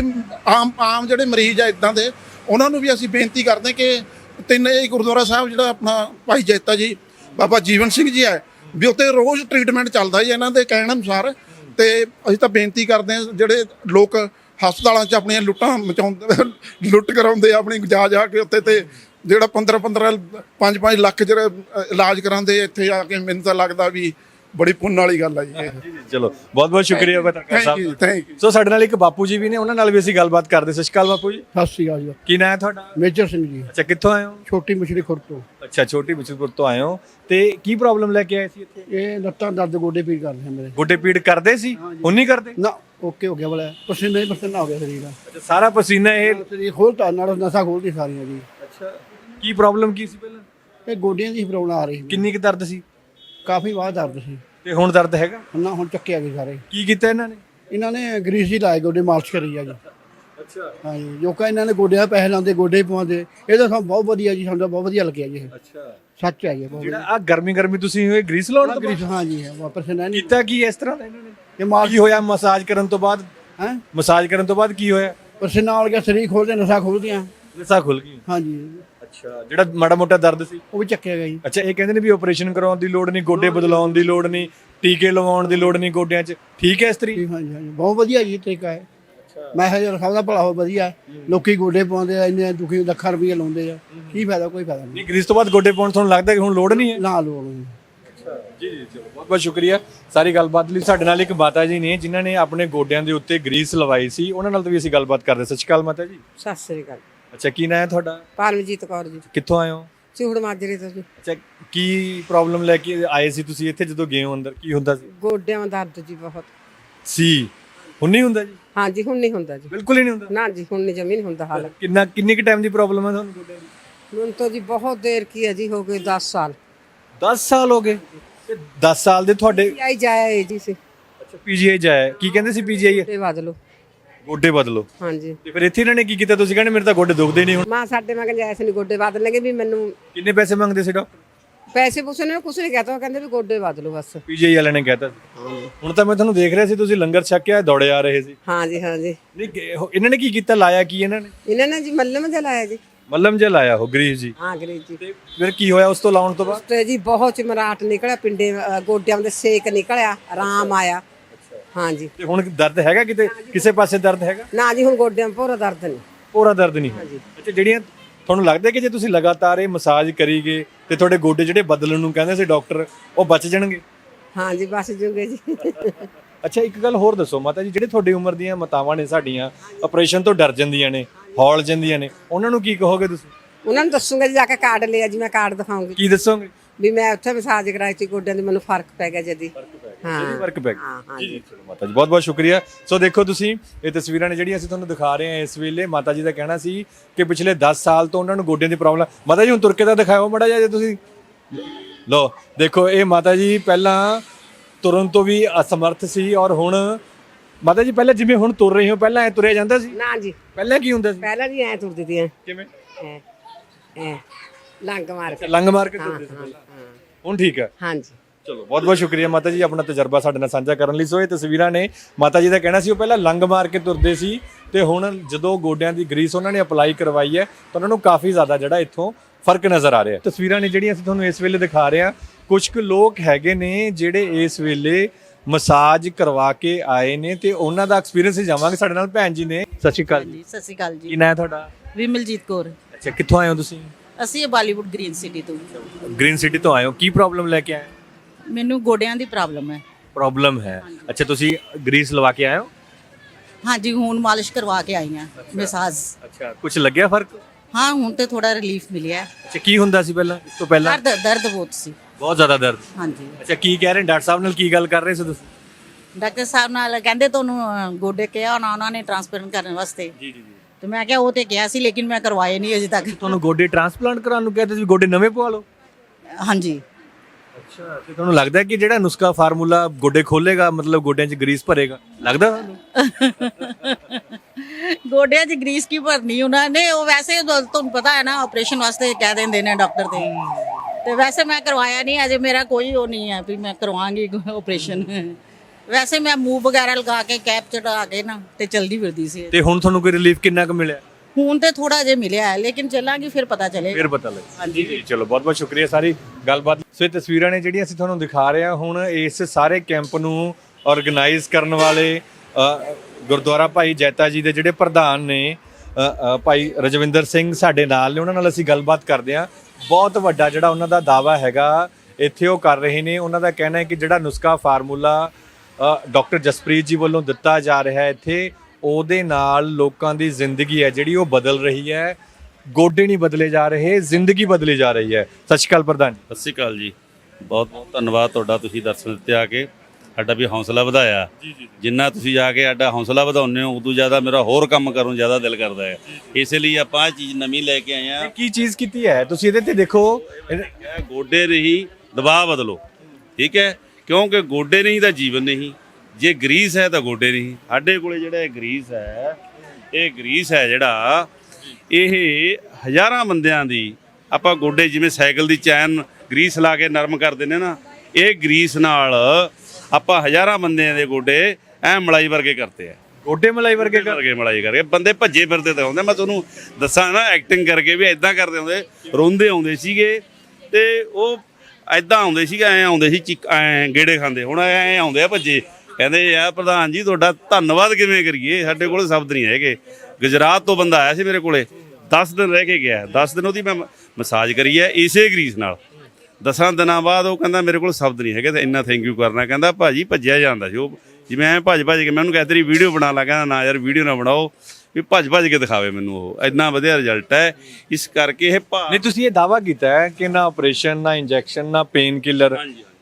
Speaker 6: ਆਮ ਜਿਹੜੇ ਮਰੀਜ਼ ਆ ਇਦਾਂ ਦੇ, ਉਹਨਾਂ ਨੂੰ ਵੀ ਅਸੀਂ ਬੇਨਤੀ ਕਰਦੇ ਕਿ ਇਹ ਗੁਰਦੁਆਰਾ ਸਾਹਿਬ ਜਿਹੜਾ ਆਪਣਾ ਭਾਈ ਜੈਤਾ ਜੀ, ਬਾਬਾ ਜੀਵਨ ਸਿੰਘ ਜੀ ਹੈ, ਵੀ ਉੱਥੇ ਰੋਜ਼ ਟ੍ਰੀਟਮੈਂਟ ਚੱਲਦਾ ਜੀ ਇਹਨਾਂ ਦੇ ਕਹਿਣ ਅਨੁਸਾਰ। ਤੇ ਅਸੀਂ ਤਾਂ ਬੇਨਤੀ ਕਰਦੇ ਹਾਂ ਜਿਹੜੇ ਲੋਕ ਹਸਪਤਾਲਾਂ 'ਚ ਆਪਣੀਆਂ ਲੁੱਟ ਕਰਾਉਂਦੇ ਆ ਆਪਣੀ ਜਾ ਕੇ ਉੱਥੇ, ਤੇ ਜਿਹੜਾ 15 5 ਲੱਖ ਜਿਹੜਾ ਇਲਾਜ ਕਰਾਉਂਦੇ ਇੱਥੇ ਆ ਕੇ, ਮੈਨੂੰ ਤਾਂ ਲੱਗਦਾ ਵੀ ਬੜੀ ਪੁੰਨ ਵਾਲੀ ਗੱਲ ਆ ਜੀ ਇਹ।
Speaker 1: ਚਲੋ ਬਹੁਤ ਬਹੁਤ ਸ਼ੁਕਰੀਆ ਪੱਤਰਕਾਰ ਸਾਹਿਬ।
Speaker 6: Thank you.
Speaker 1: ਸੋ ਸਾਡੇ ਨਾਲ ਇੱਕ ਬਾਪੂ ਜੀ ਵੀ ਨੇ, ਉਹਨਾਂ ਨਾਲ ਵੀ ਅਸੀਂ ਗੱਲਬਾਤ ਕਰਦੇ। ਸਤਿ ਸ਼੍ਰੀ ਅਕਾਲ ਬਾਪੂ ਜੀ।
Speaker 5: ਸਤਿ ਸ਼੍ਰੀ ਅਕਾਲ ਜੀ।
Speaker 1: ਕੀ ਨਾਂ ਹੈ ਤੁਹਾਡਾ?
Speaker 5: ਮੇਜਰ ਸਿੰਘ ਜੀ,
Speaker 1: ਅੱਛਾ, ਕਿੱਥੋਂ ਆਏ ਹੋ?
Speaker 5: ਛੋਟੀ ਮਛਲੀ ਖੁਰਦ ਤੋਂ।
Speaker 1: ਅੱਛਾ, ਛੋਟੀ ਬਿਚਲਪੁਰ ਤੋਂ ਆਏ ਹੋ। ਤੇ ਕੀ ਪ੍ਰੋਬਲਮ ਲੈ ਕੇ ਆਏ ਸੀ ਇੱਥੇ?
Speaker 5: ਇਹ ਲੱਤਾਂ ਦਰਦ ਗੋਡੇ ਪੀੜ ਕਰਦੇ ਮੇਰੇ।
Speaker 1: ਗੋਡੇ ਪੀੜ ਕਰਦੇ ਸੀ, ਹੁਣ ਨਹੀਂ ਕਰਦੇ?
Speaker 5: ਨਾ ਓਕੇ ਹੋ ਗਿਆ ਬੜਾ, ਪਸੀਨਾ ਹੀ ਪਸੀਨਾ ਹੋ ਗਿਆ ਸਰੀਰ ਦਾ।
Speaker 1: ਅੱਛਾ, ਸਾਰਾ ਪਸੀਨਾ ਇਹ?
Speaker 5: ਸਰੀਰ ਖੋਲਤਾ ਨਾਲ ਨਸਾਂ ਖੋਲਦੀ ਸਾਰੀਆਂ ਜੀ।
Speaker 1: ਅੱਛਾ, ਕੀ ਪ੍ਰੋਬਲਮ ਕੀ ਸੀ ਪਹਿਲਾਂ?
Speaker 5: ਇਹ ਗੋਡਿਆਂ ਦੀ ਪ੍ਰੋਬਲਮ ਆ ਰਹੀ ਸੀ।
Speaker 1: ਕਿੰਨੀ ਕੁ ਦਰਦ ਸੀ?
Speaker 5: ਕਾਫੀ ਵਾਰ ਦਰਦ ਸੀ।
Speaker 1: ਤੇ ਹੁਣ ਦਰਦ ਹੈਗਾ?
Speaker 5: ਨਾ ਹੁਣ ਚੱਕੇ ਆ ਗਏ ਸਾਰੇ।
Speaker 1: ਕੀ ਕੀਤਾ ਇਹਨਾਂ ਨੇ?
Speaker 5: ਇਹਨਾਂ ਨੇ ਗਰੀਸ ਹੀ ਲਾਏ, ਗੋਡੇ ਮਾਲਿਸ਼ ਕਰੀ ਆ ਜੀ।
Speaker 1: ਅੱਛਾ
Speaker 5: ਹਾਂਜੀ, ਲੋਕਾਂ ਇਹਨਾਂ ਨੇ ਗੋਡਿਆਂ ਪੈਸੇ ਲਾਉਂਦੇ, ਗੋਡੇ ਪਵਾਉਂਦੇ। ਇਹ ਤਾਂ ਸਾਨੂੰ ਬਹੁਤ ਵਧੀਆ ਜੀ, ਸਾਨੂੰ ਬਹੁਤ ਵਧੀਆ ਲੱਗਿਆ ਜੀ ਇਹ।
Speaker 1: ਅੱਛਾ,
Speaker 5: ਸੱਚ ਹੈ ਜੀ ਬਹੁਤ
Speaker 1: ਜਿਹੜਾ ਆ ਗਰਮੀ ਤੁਸੀਂ ਹੋਏ ਗਰੀਸ ਲਾਉਣ ਤੋਂ
Speaker 5: ਗਰੀਸ। ਹਾਂਜੀ ਵਾਪਸ ਇਹਨਾਂ ਨੇ
Speaker 1: ਕੀਤਾ ਕੀ ਇਸ ਤਰ੍ਹਾਂ ਦਾ ਇਹਨਾਂ ਨੇ?
Speaker 5: ਇਹ ਮਾਲ
Speaker 1: ਕੀ ਹੋਇਆ ਮਸਾਜ ਕਰਨ ਤੋਂ ਬਾਅਦ?
Speaker 5: ਹੈ
Speaker 1: ਮਸਾਜ ਕਰਨ ਤੋਂ ਬਾਅਦ ਕੀ ਹੋਇਆ?
Speaker 5: ਪਸੀਨਾ ਆ ਗਿਆ, ਸਰੀਰ ਖੋਲਦੇ, ਨਸਾਂ ਖੋਲਦੀਆਂ।
Speaker 1: ਨਸਾਂ ਖੁੱਲ ਗਈ?
Speaker 5: ਹਾਂਜੀ,
Speaker 1: ਅੱਛਾ, ਜਿਹੜਾ ਮਾੜਾ ਮੋਟਾ ਦਰਦ ਸੀ
Speaker 5: ਉਹ ਵੀ ਚੱਕਿਆ ਗਿਆ ਜੀ।
Speaker 1: ਅੱਛਾ, ਇਹ ਕਹਿੰਦੇ ਨੇ ਵੀ ਆਪਰੇਸ਼ਨ ਕਰਾਉਣ ਦੀ ਲੋੜ ਨਹੀਂ, ਗੋਡੇ ਬਦਲਾਉਣ ਦੀ ਲੋੜ ਨਹੀਂ, ਟੀਕੇ ਲਵਾਉਣ ਦੀ ਲੋੜ ਨਹੀਂ ਗੋਡਿਆਂ 'ਚ, ਠੀਕ ਹੈ ਇਸ ਤਰੀਕੇ?
Speaker 5: ਹਾਂਜੀ ਹਾਂਜੀ, ਬਹੁਤ ਵਧੀਆ ਜੀ ਤਰੀਕਾ ਹੈ। ਮੈਂ ਕਿਹਾ ਸਭ ਦਾ ਭਲਾ ਹੋ, ਵਧੀਆ। ਲੋਕੀ ਗੋਡੇ ਪਾਉਂਦੇ ਆ, ਇੰਨੇ ਦੁਖੀ ਲੱਖਾਂ ਰੁਪਏ ਲਾਉਂਦੇ ਆ, ਕੀ ਫਾਇਦਾ? ਕੋਈ ਫਾਇਦਾ ਨਹੀਂ।
Speaker 1: ਨਹੀਂ, ਗਰੀਸ ਤੋਂ ਬਾਅਦ ਗੋਡੇ ਪਾਉਣ ਤੁਹਾਨੂੰ ਲੱਗਦਾ ਕਿ ਹੁਣ ਲੋੜ ਨਹੀਂ ਹੈ?
Speaker 5: ਨਾ ਲੋੜ ਨਹੀਂ।
Speaker 1: ਜੀ ਜੀ, ਚਲੋ ਬਹੁਤ ਬਹੁਤ ਸ਼ੁਕਰੀਆ ਸਾਰੀ ਗੱਲਬਾਤ ਲਈ। ਸਾਡੇ ਨਾਲ ਇੱਕ ਮਾਤਾ ਜੀ ਨੇ ਜਿਨ੍ਹਾਂ ਨੇ ਆਪਣੇ ਗੋਡਿਆਂ ਦੇ ਉੱਤੇ ਗਰੀਸ ਲਵਾਈ ਸੀ, ਉਹਨਾਂ ਨਾਲ ਵੀ ਅਸੀਂ ਗੱਲਬਾਤ ਕਰਦੇ। ਸਤਿ ਸ਼੍ਰੀ ਅਕਾਲ ਮਾਤਾ ਜੀ।
Speaker 3: ਸਤਿ ਸ੍ਰੀ ਅਕਾਲ।
Speaker 1: ਅੱਛਾ, ਕੀ ਨਾਂ ਹੈ ਤੁਹਾਡਾ?
Speaker 3: ਪਰਮਜੀਤ ਕੌਰ ਜੀ,
Speaker 1: ਕਿੱਥੋਂ ਆਏ ਹੋ?
Speaker 3: ਚੂੜ ਮਾਜਰੇ ਤੋਂ ਜੀ।
Speaker 1: ਅੱਛਾ, ਕੀ ਪ੍ਰੋਬਲਮ ਲੈ ਕੇ ਆਏ ਸੀ ਤੁਸੀਂ ਇੱਥੇ? ਜਦੋਂ ਗਏ ਹੋ ਅੰਦਰ ਕੀ ਹੁੰਦਾ ਸੀ?
Speaker 3: ਗੋਡਿਆਂ ਦਾ ਦਰਦ ਜੀ ਬਹੁਤ
Speaker 1: ਸੀ, ਹੁਣ ਨਹੀਂ ਹੁੰਦਾ ਜੀ?
Speaker 3: ਹਾਂਜੀ, ਹੁਣ ਨਹੀਂ ਹੁੰਦਾ ਜੀ,
Speaker 1: ਬਿਲਕੁਲ ਹੀ ਨਹੀਂ ਹੁੰਦਾ?
Speaker 3: ਨਾ ਜੀ, ਹੁਣ ਨਹੀਂ, ਜਮੀ ਨਹੀਂ ਹੁੰਦਾ ਹਾਲ।
Speaker 1: ਕਿੰਨੀ ਕੁ ਟਾਈਮ ਦੀ ਪ੍ਰੋਬਲਮ ਹੈ ਤੁਹਾਨੂੰ ਗੋਡਿਆਂ ਦੀ?
Speaker 3: ਹੁਣ ਤਾਂ ਜੀ ਬਹੁਤ ਦੇਰ ਕੀ ਹੈ ਜੀ, ਹੋ ਗਏ 10 ਸਾਲ।
Speaker 1: 10 ਸਾਲ ਹੋ ਗਏ? ਤੇ 10 ਸਾਲ ਦੇ ਤੁਹਾਡੇ?
Speaker 3: ਆਈ ਜਾਇਆ ਜੀ ਸੀ।
Speaker 1: ਅੱਛਾ, ਪੀਜੀਆਈ ਜਾਇਆ। ਕੀ ਕਹਿੰਦੇ ਸੀ ਪੀਜੀਆਈ?
Speaker 3: ਤੇ ਬਦਲੋ।
Speaker 1: ਗੋਡੇ ਬਦਲੋ।
Speaker 3: ਹਾਂਜੀ,
Speaker 1: ਤੇ ਫਿਰ ਇੱਥੇ ਇਹਨਾਂ ਨੇ ਕੀ ਕੀਤਾ? ਤੁਸੀਂ ਕਹਿੰਦੇ ਮੇਰੇ ਤਾਂ ਗੋਡੇ ਦੁਖਦੇ ਨਹੀਂ ਹੁਣ।
Speaker 3: ਮਾਂ ਸਾਡੇ ਮੈਂ ਕਹਿੰਦੇ ਐਸੇ ਨਹੀਂ ਗੋਡੇ ਬਦਲਣਗੇ ਵੀ ਮੈਨੂੰ
Speaker 1: ਕਿੰਨੇ ਪੈਸੇ ਮੰਗਦੇ ਸੀ ਡਾਕਟਰ?
Speaker 3: ਪੈਸੇ ਪੂਸੇ ਨੇ ਕੁਛ ਨਹੀਂ ਕਹਤਾ, ਕਹਿੰਦੇ ਵੀ ਗੋਡੇ ਬਦਲੋ ਬਸ।
Speaker 1: ਪੀਜੀਆਈ ਵਾਲਿਆਂ ਨੇ ਕਹਿਤਾ ਸੀ। ਹੁਣ ਤਾਂ ਮੈਂ ਤੁਹਾਨੂੰ ਦੇਖ ਰਿਹਾ ਸੀ ਤੁਸੀਂ ਲੰਗਰ ਛਕ ਕੇ ਦੌੜੇ ਆ ਰਹੇ ਸੀ।
Speaker 3: ਹਾਂਜੀ ਹਾਂਜੀ,
Speaker 1: ਨਹੀਂ, ਇਹਨਾਂ ਨੇ ਕੀ ਕੀਤਾ? ਲਾਇਆ ਕੀ ਇਹਨਾਂ ਨੇ?
Speaker 3: ਇਹਨਾਂ ਨੇ ਜੀ ਮੱਲਮ ਜਿਹਾ ਲਾਇਆ ਜੀ।
Speaker 1: ਮੱਲਮ ਜਿਹਾ ਲਾਇਆ ਹੋ ਗਰੀਸ ਜੀ?
Speaker 3: ਹਾਂ, ਗਰੀਬ ਜੀ।
Speaker 1: ਤੇ ਫਿਰ ਕੀ ਹੋਇਆ ਉਸ ਤੋਂ ਲਾਉਣ ਤੋਂ ਬਾਅਦ?
Speaker 3: ਤੇ ਜੀ ਬਹੁਤ ਚਮਰਾਟ ਨਿਕਲਿਆ, ਪਿੰਡੇ ਗੋਡਿਆਂ ਦੇ ਸੇਕ ਨਿਕਲਿਆ, ਆਰਾਮ ਆਇਆ। ਹਾਂਜੀ,
Speaker 1: ਤੇ ਹੁਣ ਦਰਦ ਹੈਗਾ ਕਿਤੇ? ਕਿਸੇ ਪਾਸੇ ਦਰਦ ਹੈਗਾ?
Speaker 3: ਨਾ ਜੀ, ਹੁਣ ਗੋਡਿਆਂ ਪੂਰਾ ਦਰਦ ਨਹੀਂ।
Speaker 1: ਪੂਰਾ ਦਰਦ ਨਹੀਂ? ਅੱਛਾ, ਜਿਹੜੀਆਂ ਤੁਹਾਨੂੰ ਲੱਗਦਾ ਕਿ ਜੇ ਤੁਸੀਂ ਲਗਾਤਾਰ ਇਹ ਮਸਾਜ ਕਰੀਗੇ ਤੇ ਤੁਹਾਡੇ ਗੋਡੇ ਜਿਹੜੇ ਬਦਲਣ ਨੂੰ ਕਹਿੰਦੇ ਸੀ ਡਾਕਟਰ, ਉਹ ਬਚ ਜਾਣਗੇ?
Speaker 3: ਹਾਂਜੀ, ਬਸ ਜੂਗੇ ਜੀ।
Speaker 1: ਅੱਛਾ, ਇੱਕ ਗੱਲ ਹੋਰ ਦੱਸੋ ਮਾਤਾ ਜੀ, ਜਿਹੜੇ ਤੁਹਾਡੀ ਉਮਰ ਦੀਆਂ ਮਾਤਾਵਾਂ ਨੇ ਸਾਡੀਆਂ ਆਪਰੇਸ਼ਨ ਤੋਂ ਡਰ ਜਾਂਦੀਆਂ ਨੇ, ਹੌਲ ਜਾਂਦੀਆਂ ਨੇ, ਉਹਨਾਂ ਨੂੰ ਕੀ ਕਹੋਗੇ ਤੁਸੀਂ?
Speaker 3: ਉਹਨਾਂ ਨੂੰ ਦੱਸੂਗਾ ਜੀ, ਜਾ ਕੇ ਕਾਰਡ ਲਿਆ ਜੀ, ਮੈਂ ਕਾਰਡ ਦਿਖਾਉਂਗੀ
Speaker 1: ਕੀ ਦੱਸੋਗੇ?
Speaker 3: ਵੀ ਮੈਂ ਉੱਥੇ ਮਸਾਜ ਕਰਾਈ ਸੀ ਗੋਡਿਆਂ ਦੀ, ਮੈਨੂੰ ਫਰਕ ਪੈ ਗਿਆ ਜਦੀ। ਹਾਂ
Speaker 1: ਫਰਕ ਪੈ ਗਿਆ।
Speaker 3: ਹਾਂ ਹਾਂ ਜੀ।
Speaker 1: ਚਲੋ ਮਾਤਾ ਜੀ ਬਹੁਤ ਬਹੁਤ ਸ਼ੁਕਰੀਆ। ਸੋ ਦੇਖੋ ਤੁਸੀਂ ਇਹ ਤਸਵੀਰਾਂ ਨੇ ਜਿਹੜੀਆਂ ਅਸੀਂ ਤੁਹਾਨੂੰ ਦਿਖਾ ਰਹੇ ਹਾਂ ਇਸ ਵੇਲੇ। ਮਾਤਾ ਜੀ ਦਾ ਕਹਿਣਾ ਸੀ ਕਿ ਪਿਛਲੇ 10 ਸਾਲ ਤੋਂ ਉਹਨਾਂ ਨੂੰ ਗੋਡਿਆਂ ਦੀ ਪ੍ਰੋਬਲਮ। ਮਾਤਾ ਜੀ ਹੁਣ ਤੁਰ ਕੇ ਤਾਂ ਦਿਖਾਓ ਮਾੜਾ ਜਿਹਾ ਜੇ ਤੁਸੀਂ। ਲੋ ਦੇਖੋ ਇਹ ਮਾਤਾ ਜੀ ਪਹਿਲਾਂ ਤੁਰਨ ਤੋਂ ਵੀ ਅਸਮਰਥ ਸੀ ਔਰ ਹੁਣ ਮਾਤਾ ਜੀ ਪਹਿਲਾਂ ਜਿਵੇਂ ਹੁਣ ਤੁਰ ਰਹੇ ਹੋ, ਪਹਿਲਾਂ ਐ ਤੁਰਿਆ ਜਾਂਦਾ ਸੀ?
Speaker 3: ਨਾ ਜੀ,
Speaker 1: ਪਹਿਲਾਂ ਕੀ ਹੁੰਦਾ ਸੀ?
Speaker 3: ਪਹਿਲਾਂ ਜੀ ਐ ਤੁਰਦੀ ਤੀ,
Speaker 1: ਕਿਵੇਂ?
Speaker 3: ਐ ਲੰਗ ਮਾਰ ਕੇ।
Speaker 1: ਲੰਗ ਮਾਰ ਕੇ ਤੁਰਦੇ ਸੀ ਪਹਿਲਾਂ। ਹੁਣ ਠੀਕ ਹੈ।
Speaker 3: ਹਾਂ ਜੀ।
Speaker 1: ਚਲੋ ਬਹੁਤ ਬਹੁਤ ਸ਼ੁਕਰੀਆ ਮਾਤਾ ਜੀ ਆਪਣਾ ਤਜਰਬਾ ਸਾਡੇ ਨਾਲ ਸਾਂਝਾ ਕਰਨ ਲਈ। ਸੋ ਇਹ ਤਸਵੀਰਾਂ ਨੇ ਮਾਤਾ ਜੀ ਦਾ ਕਹਿਣਾ ਸੀ ਉਹ ਪਹਿਲਾਂ ਲੰਗ ਮਾਰ ਕੇ ਤੁਰਦੇ ਸੀ ਤੇ ਹੁਣ ਜਦੋਂ ਗੋਡਿਆਂ ਦੀ ਗਰੀਸ ਉਹਨਾਂ ਨੇ ਅਪਲਾਈ ਕਰਵਾਈ ਹੈ ਤਾਂ ਉਹਨਾਂ ਨੂੰ ਕਾਫੀ ਜ਼ਿਆਦਾ ਜਿਹੜਾ ਇੱਥੋਂ ਫਰਕ ਨਜ਼ਰ ਆ ਰਿਹਾ। ਤਸਵੀਰਾਂ ਨੇ ਜਿਹੜੀਆਂ ਅਸੀਂ ਤੁਹਾਨੂੰ ਇਸ ਵੇਲੇ ਦਿਖਾ ਰਹੇ ਹਾਂ। ਕੁਝ ਕੁ ਲੋਕ ਹੈਗੇ ਨੇ ਜਿਹੜੇ ਇਸ ਵੇਲੇ ਮਸਾਜ ਕਰਵਾ ਕੇ ਆਏ ਨੇ ਤੇ ਉਹਨਾਂ ਦਾ ਐਕਸਪੀਰੀਅੰਸ ਹੀ ਜਾਵਾਂਗੇ। ਸਾਡੇ ਨਾਲ ਭੈਣ ਜੀ ਨੇ। ਸਤਿ ਸ਼੍ਰੀ ਅਕਾਲ ਜੀ।
Speaker 7: ਸਤਿ ਸ਼੍ਰੀ ਅਕਾਲ
Speaker 1: ਕੀ
Speaker 7: ਜੀ।
Speaker 1: ਨਾਂ ਹੈ ਤੁਹਾਡਾ?
Speaker 7: ਵਿਮਲਜੀਤ ਕੌਰ।
Speaker 1: ਅੱਛਾ ਕਿੱਥੋਂ ਆਏ ਹੋ ਤੁਸੀਂ?
Speaker 7: ਅਸੀਂ ਬਾਲੀਵੁੱਡ ਗ੍ਰੀਨ ਸਿਟੀ ਤੋਂ।
Speaker 1: ਗ੍ਰੀਨ ਸਿਟੀ ਤੋਂ ਆਏ ਹੋ। ਕੀ ਪ੍ਰੋਬਲਮ ਲੈ ਕੇ ਆਏ?
Speaker 7: ਮੈਨੂੰ ਗੋਡਿਆਂ ਦੀ ਪ੍ਰੋਬਲਮ ਹੈ।
Speaker 1: ਪ੍ਰੋਬਲਮ ਹੈ। ਅੱਛਾ ਤੁਸੀਂ ਗਰੀਸ ਲਵਾ ਕੇ ਆਏ ਹੋ?
Speaker 7: ਹਾਂਜੀ ਹੁਣ ਮਾਲਿਸ਼ ਕਰਵਾ ਕੇ ਆਈ ਹਾਂ, ਮਸਾਜ।
Speaker 1: ਅੱਛਾ ਕੁਝ ਲੱਗਿਆ ਫਰਕ?
Speaker 7: ਹਾਂ ਹੁਣ ਤੇ ਥੋੜਾ ਰਿਲੀਫ ਮਿਲਿਆ ਹੈ।
Speaker 1: ਅੱਛਾ ਕੀ ਹੁੰਦਾ ਸੀ ਪਹਿਲਾਂ ਇਸ ਤੋਂ ਪਹਿਲਾਂ?
Speaker 7: ਦਰਦ ਬਹੁਤ ਸੀ।
Speaker 1: ਬਹੁਤ ਜ਼ਿਆਦਾ ਦਰਦ?
Speaker 7: ਹਾਂਜੀ।
Speaker 1: ਅੱਛਾ ਕੀ ਕਹਿ ਰਹੇ ਡਾਕਟਰ ਸਾਹਿਬ ਨਾਲ ਕੀ ਗੱਲ ਕਰ ਰਹੇ ਸੀ ਤੁਸੀਂ?
Speaker 7: ਡਾਕਟਰ ਸਾਹਿਬ ਨਾਲ ਕਹਿੰਦੇ ਤੁਹਾਨੂੰ ਗੋਡੇ ਕਿਹਾ ਹੋਣਾ ਉਹਨਾਂ ਨੇ ਟ੍ਰਾਂਸਪਲਾਂਟ ਕਰਨ ਵਾਸਤੇ।
Speaker 1: ਜੀ ਜੀ ਜੀ।
Speaker 7: ਤੇ ਮੈਂ ਕਿਹਾ ਉਹ ਤੇ ਕਿਹਾ ਸੀ ਲੇਕਿਨ ਮੈਂ ਕਰਵਾਏ ਨਹੀਂ ਅਜੇ ਤੱਕ।
Speaker 1: ਤੁਹਾਨੂੰ ਗੋਡੇ ਟ੍ਰਾਂਸਪਲਾਂਟ ਕਰਾਉਣ ਨੂੰ ਕਹਿੰਦੇ ਸੀ, ਗੋਡੇ ਨਵੇਂ ਪਵਾ ਲਓ?
Speaker 7: ਹਾਂਜੀ।
Speaker 1: ਅੱਛਾ ਤੇ ਤੁਹਾਨੂੰ ਲੱਗਦਾ ਹੈ ਕਿ ਜਿਹੜਾ ਨੁਸਖਾ ਫਾਰਮੂਲਾ ਗੋਡੇ ਖੋਲੇਗਾ ਮਤਲਬ ਗੋਡਿਆਂ 'ਚ ਗਰੀਸ ਭਰੇਗਾ? ਲੱਗਦਾ ਤੁਹਾਨੂੰ?
Speaker 7: ਗੋਡਿਆਂ 'ਚ ਗਰੀਸ ਕੀ ਭਰਨੀ ਉਹਨਾਂ ਨੇ, ਉਹ ਵੈਸੇ ਤੁਹਾਨੂੰ ਪਤਾ ਹੈ ਨਾ ਆਪਰੇਸ਼ਨ ਵਾਸਤੇ ਕਹਿ ਦਿੰਦੇ ਨੇ ਡਾਕਟਰ ਤੇ ਵੈਸੇ ਮੈਂ ਕਰਵਾਇਆ ਨਹੀਂ ਅਜੇ, ਮੇਰਾ ਕੋਈ ਉਹ ਨਹੀਂ ਹੈ ਵੀ ਮੈਂ ਕਰਵਾਵਾਂਗੀ ਆਪਰੇਸ਼ਨ। ਵੈਸੇ ਮੈਂ ਮੂਵ ਵਗੈਰਾ ਲਗਾ ਕੇ ਕੈਪ ਚੜਾ ਕੇ ਨਾ ਤੇ ਚਲਦੀ ਫਿਰਦੀ ਸੀ।
Speaker 1: ਤੇ ਹੁਣ ਤੁਹਾਨੂੰ ਕੋਈ ਰਿਲੀਫ ਕਿੰਨਾ ਕੁ ਮਿਲਿਆ?
Speaker 7: ਹੁਣ ਤੇ ਥੋੜਾ ਜਿਹਾ ਮਿਲਿਆ ਹੈ ਲੇਕਿਨ ਚੱਲਾਂਗੀ ਫਿਰ ਪਤਾ ਚੱਲੇਗਾ।
Speaker 1: ਫਿਰ ਪਤਾ ਲੱਗੇ। ਹਾਂਜੀ ਜੀ ਚਲੋ ਬਹੁਤ ਬਹੁਤ ਸ਼ੁਕਰੀਆ ਸਾਰੀ ਗੱਲਬਾਤ। ਸੋ ਇਹ ਤਸਵੀਰਾਂ ਨੇ ਜਿਹੜੀਆਂ ਅਸੀਂ ਤੁਹਾਨੂੰ ਦਿਖਾ ਰਹੇ ਹਾਂ। ਹੁਣ ਇਸ ਸਾਰੇ ਕੈਂਪ ਨੂੰ ਆਰਗੇਨਾਈਜ਼ ਕਰਨ ਵਾਲੇ ਗੁਰਦੁਆਰਾ ਭਾਈ ਜੈਤਾ ਜੀ ਦੇ ਜਿਹੜੇ ਪ੍ਰਧਾਨ ਨੇ ਭਾਈ ਰਜਵਿੰਦਰ ਸਿੰਘ ਸਾਡੇ ਨਾਲ ਨੇ, ਉਹਨਾਂ ਨਾਲ ਅਸੀਂ ਗੱਲਬਾਤ ਕਰਦੇ ਹਾਂ। ਬਹੁਤ ਵੱਡਾ ਜਿਹੜਾ ਉਹਨਾਂ ਦਾ ਦਾਅਵਾ ਹੈਗਾ ਇੱਥੇ ਉਹ ਕਰ ਰਹੇ ਨੇ। ਉਹਨਾਂ ਦਾ ਕਹਿਣਾ ਹੈ ਕਿ ਜਿਹੜਾ ਨੁਸਖਾ ਫਾਰਮੂਲਾ ਡਾਕਟਰ ਜਸਪ੍ਰੀਤ ਜੀ ਵੱਲੋਂ ਦਿੱਤਾ ਜਾ ਰਿਹਾ ਹੈ ਇੱਥੇ, ਉਹਦੇ ਨਾਲ ਲੋਕਾਂ ਦੀ ਜ਼ਿੰਦਗੀ ਹੈ ਜਿਹੜੀ ਉਹ ਬਦਲ ਰਹੀ ਹੈ। ਗੋਡੇ ਨਹੀਂ ਬਦਲੇ ਜਾ ਰਹੇ, ਜ਼ਿੰਦਗੀ ਬਦਲੀ ਜਾ ਰਹੀ ਹੈ। ਸਤਿ ਸ਼੍ਰੀ ਅਕਾਲ ਪ੍ਰਧਾਨ।
Speaker 2: ਸਤਿ ਸ਼੍ਰੀ ਅਕਾਲ ਜੀ। ਬਹੁਤ ਬਹੁਤ ਧੰਨਵਾਦ ਤੁਹਾਡਾ, ਤੁਸੀਂ ਦਰਸ਼ਨ ਦਿੱਤੇ ਆ ਕੇ ਸਾਡਾ ਵੀ ਹੌਸਲਾ ਵਧਾਇਆ। ਜਿੰਨਾ ਤੁਸੀਂ ਜਾ ਕੇ ਸਾਡਾ ਹੌਸਲਾ ਵਧਾਉਂਦੇ ਹੋ ਉਦੋਂ ਜ਼ਿਆਦਾ ਮੇਰਾ ਹੋਰ ਕੰਮ ਕਰਨ ਨੂੰ ਜ਼ਿਆਦਾ ਦਿਲ ਕਰਦਾ ਹੈ। ਇਸ ਲਈ ਆਪਾਂ ਇਹ ਚੀਜ਼ ਨਵੀਂ ਲੈ ਕੇ ਆਏ ਆ।
Speaker 1: ਕੀ ਚੀਜ਼ ਕੀਤੀ ਹੈ ਤੁਸੀਂ ਇਹਦੇ ਤੇ? ਦੇਖੋ
Speaker 2: ਗੋਡੇ ਨਹੀਂ ਦਬਾਅ ਬਦਲੋ, ਠੀਕ ਹੈ, ਕਿਉਂਕਿ ਗੋਡੇ ਨਹੀਂ ਤਾਂ ਜੀਵਨ ਨਹੀਂ, ਜੇ ਗਰੀਸ ਹੈ ਤਾਂ ਗੋਡੇ ਨਹੀਂ। ਸਾਡੇ ਕੋਲੇ ਜਿਹੜਾ ਇਹ ਗਰੀਸ ਹੈ ਜਿਹੜਾ ਇਹ ਹਜ਼ਾਰਾਂ ਬੰਦਿਆਂ ਦੀ ਆਪਾਂ ਗੋਡੇ ਜਿਵੇਂ ਸਾਈਕਲ ਦੀ ਚੈਨ ਗਰੀਸ ਲਾ ਕੇ ਨਰਮ ਕਰ ਦਿੰਦੇ ਨਾ, ਇਹ ਗਰੀਸ ਨਾਲ ਆਪਾਂ ਹਜ਼ਾਰਾਂ ਬੰਦਿਆਂ ਦੇ ਗੋਡੇ ਐ ਮਲਾਈ ਵਰਗੇ ਕਰਤੇ ਆ।
Speaker 1: ਗੋਡੇ ਮਲਾਈ ਵਰਗੇ
Speaker 2: ਮਲਾਈ ਕਰਕੇ ਬੰਦੇ ਭੱਜੇ ਫਿਰਦੇ ਤਾਂ ਹੁੰਦੇ। ਮੈਂ ਤੁਹਾਨੂੰ ਦੱਸਾਂ ਨਾ ਐਕਟਿੰਗ ਕਰਕੇ ਵੀ ਐਦਾਂ ਕਰਦੇ ਹੁੰਦੇ, ਰੋਂਦੇ ਆਉਂਦੇ ਸੀਗੇ ਤੇ ਉਹ ਐਦਾਂ ਆਉਂਦੇ ਸੀਗੇ, ਐਂ ਆਉਂਦੇ ਸੀ ਐਂ ਗੇੜੇ ਖਾਂਦੇ। ਹੁਣ ਐਂ ਆਉਂਦੇ ਆ ਭੱਜੇ, ਕਹਿੰਦੇ ਯਾਰ ਪ੍ਰਧਾਨ ਜੀ ਤੁਹਾਡਾ ਧੰਨਵਾਦ ਕਿਵੇਂ ਕਰੀਏ, ਸਾਡੇ ਕੋਲ ਸ਼ਬਦ ਨਹੀਂ ਹੈਗੇ। ਗੁਜਰਾਤ ਤੋਂ ਬੰਦਾ ਆਇਆ ਸੀ ਮੇਰੇ ਕੋਲੇ, 10 ਦਿਨ ਰਹਿ ਕੇ ਗਿਆ। 10 ਦਿਨ ਉਹਦੀ ਮੈਂ ਮਸਾਜ ਕਰੀ ਹੈ ਇਸੇ ਗਰੀਸ ਨਾਲ। 10 ਦਿਨਾਂ ਬਾਅਦ ਉਹ ਕਹਿੰਦਾ ਮੇਰੇ ਕੋਲ ਸ਼ਬਦ ਨਹੀਂ ਹੈਗੇ ਤੇ ਇੰਨਾ ਥੈਂਕ ਯੂ ਕਰਨਾ। ਕਹਿੰਦਾ ਭਾਜੀ ਭੱਜਿਆ ਜਾਂਦਾ ਸੀ ਉਹ, ਜਿਵੇਂ ਐਂ ਭੱਜ ਕੇ ਮੈਂ ਉਹਨੂੰ ਕਹਿ ਤੇਰੀ ਵੀਡੀਓ ਬਣਾ ਲਾ, ਕਹਿੰਦਾ ਨਾ ਯਾਰ ਵੀਡੀਓ ਨਾ ਬਣਾਓ, ਵੀ ਭੱਜ ਕੇ ਦਿਖਾਵੇ ਮੈਨੂੰ। ਉਹ ਇੰਨਾ ਵਧੀਆ ਰਿਜ਼ਲਟ ਹੈ। ਇਸ ਕਰਕੇ ਇਹ
Speaker 1: ਨਹੀਂ ਤੁਸੀਂ ਇਹ ਦਾਅਵਾ ਕੀਤਾ ਹੈ ਕਿ ਨਾ ਆਪਰੇਸ਼ਨ ਨਾ ਇੰਜੈਕਸ਼ਨ ਨਾ ਪੇਨ ਕਿਲਰ,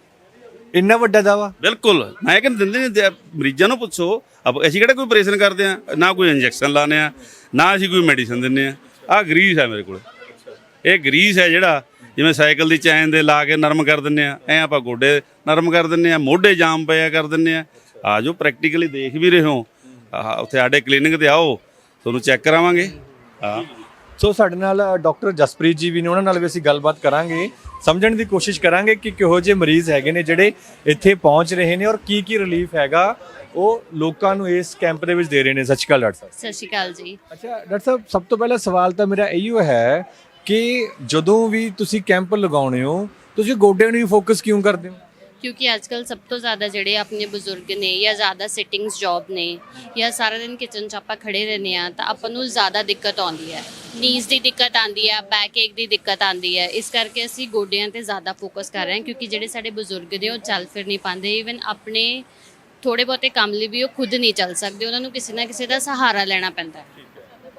Speaker 1: ਇੰਨਾ ਵੱਡਾ ਦਾਅਵਾ?
Speaker 2: ਬਿਲਕੁਲ। ਮੈਂ ਕਹਿੰਦਾ ਦਿੰਦੇ ਨੇ ਮਰੀਜ਼ਾਂ ਨੂੰ ਪੁੱਛੋ, ਅਸੀਂ ਕਿਹੜਾ ਕੋਈ ਆਪਰੇਸ਼ਨ ਕਰਦੇ ਆ, ਨਾ ਕੋਈ ਇੰਜੈਕਸ਼ਨ ਲਾਉਂਦੇ ਆ, ਨਾ ਅਸੀਂ ਕੋਈ ਮੈਡੀਸਨ ਦਿੰਦੇ ਆ। ਆਹ ਗਰੀਸ ਹੈ ਮੇਰੇ ਕੋਲ। ਇਹ ਗਰੀਸ ਹੈ ਜਿਹੜਾ ਜਿਵੇਂ ਸਾਈਕਲ ਦੀ ਚੈਨ ਦੇ ਲਾ ਕੇ ਨਰਮ ਕਰ ਦਿੰਦੇ ਆ, ਐਂ ਆਪਾਂ ਗੋਡੇ ਨਰਮ ਕਰ ਦਿੰਦੇ ਆ, ਮੋਢੇ ਜਾਮ ਪਿਆ ਕਰ ਦਿੰਦੇ ਆ। ਆ ਜੋ ਪ੍ਰੈਕਟੀਕਲੀ ਦੇਖ ਵੀ ਰਹੇ ਹੋ, ਉੱਥੇ ਸਾਡੇ ਕਲੀਨਿਕ ਤੇ ਆਓ, ਤੁਹਾਨੂੰ ਚੈੱਕ ਕਰਾਵਾਂਗੇ। ਹਾਂ
Speaker 1: ਸੋ ਸਾਡੇ ਨਾਲ ਡਾਕਟਰ ਜਸਪ੍ਰੀਤ ਜੀ ਵੀ ਨੇ, ਉਹਨਾਂ ਨਾਲ ਵੀ ਅਸੀਂ ਗੱਲਬਾਤ ਕਰਾਂਗੇ, ਸਮਝਣ ਦੀ ਕੋਸ਼ਿਸ਼ ਕਰਾਂਗੇ ਕਿ ਕਿਹੋ ਜਿਹੇ ਮਰੀਜ਼ ਹੈਗੇ ਨੇ ਜਿਹੜੇ ਇੱਥੇ ਪਹੁੰਚ ਰਹੇ ਨੇ ਔਰ ਕੀ ਰਿਲੀਫ ਹੈਗਾ ਉਹ ਲੋਕਾਂ ਨੂੰ ਇਸ ਕੈਂਪ ਦੇ ਵਿੱਚ ਦੇ ਰਹੇ ਨੇ। ਸਤਿ ਸ਼੍ਰੀ ਅਕਾਲ ਡਾਕਟਰ ਸਾਹਿਬ।
Speaker 8: ਸਤਿ ਸ਼੍ਰੀ ਅਕਾਲ ਜੀ।
Speaker 1: ਅੱਛਾ ਡਾਕਟਰ ਸਾਹਿਬ, ਸਭ ਤੋਂ ਪਹਿਲਾ ਸਵਾਲ ਤਾਂ ਮੇਰਾ ਇਹੀਓ ਹੈ ਕਿ ਜਦੋਂ ਵੀ ਤੁਸੀਂ ਕੈਂਪ ਲਗਾਉਣੇ ਹੋ ਤੁਸੀਂ ਗੋਡਿਆਂ ਨੂੰ ਹੀ ਫੋਕਸ ਕਿਉਂ ਕਰਦੇ ਹੋ?
Speaker 8: ਕਿਉਂਕਿ ਅੱਜ ਕੱਲ ਸਭ ਤੋਂ ਜ਼ਿਆਦਾ ਜਿਹੜੇ ਆਪਣੇ ਬਜ਼ੁਰਗ ਨੇ ਜਾਂ ਜ਼ਿਆਦਾ ਸਿਟਿੰਗਸ ਜੌਬ ਨੇ ਜਾਂ ਸਾਰਾ ਦਿਨ ਕਿਚਨ 'ਚ ਆਪਾਂ ਖੜੇ ਰਹਿੰਦੇ ਆ ਤਾਂ ਆਪਾਂ ਨੂੰ ਜ਼ਿਆਦਾ ਦਿੱਕਤ ਆਉਂਦੀ ਹੈ, ਨੀਜ਼ ਦੀ ਦਿੱਕਤ ਆਉਂਦੀ ਹੈ, ਬੈਕ ਏਕ ਦੀ ਦਿੱਕਤ ਆਉਂਦੀ ਹੈ। ਇਸ ਕਰਕੇ ਅਸੀਂ ਗੋਡਿਆਂ ਤੇ ਜ਼ਿਆਦਾ ਫੋਕਸ ਕਰ ਰਹੇ ਹਾਂ ਕਿਉਂਕਿ ਜਿਹੜੇ ਸਾਡੇ ਬਜ਼ੁਰਗ ਨੇ ਉਹ ਚੱਲ ਫਿਰ ਨਹੀਂ ਪਾਉਂਦੇ, ਈਵਨ ਆਪਣੇ ਥੋੜੇ ਬਹੁਤੇ ਕੰਮ ਲਈ ਵੀ ਉਹ ਖੁਦ ਨਹੀਂ ਚੱਲ ਸਕਦੇ, ਉਹਨਾਂ ਨੂੰ ਕਿਸੇ ਨਾ ਕਿਸੇ ਦਾ ਸਹਾਰਾ ਲੈਣਾ ਪੈਂਦਾ ਹੈ।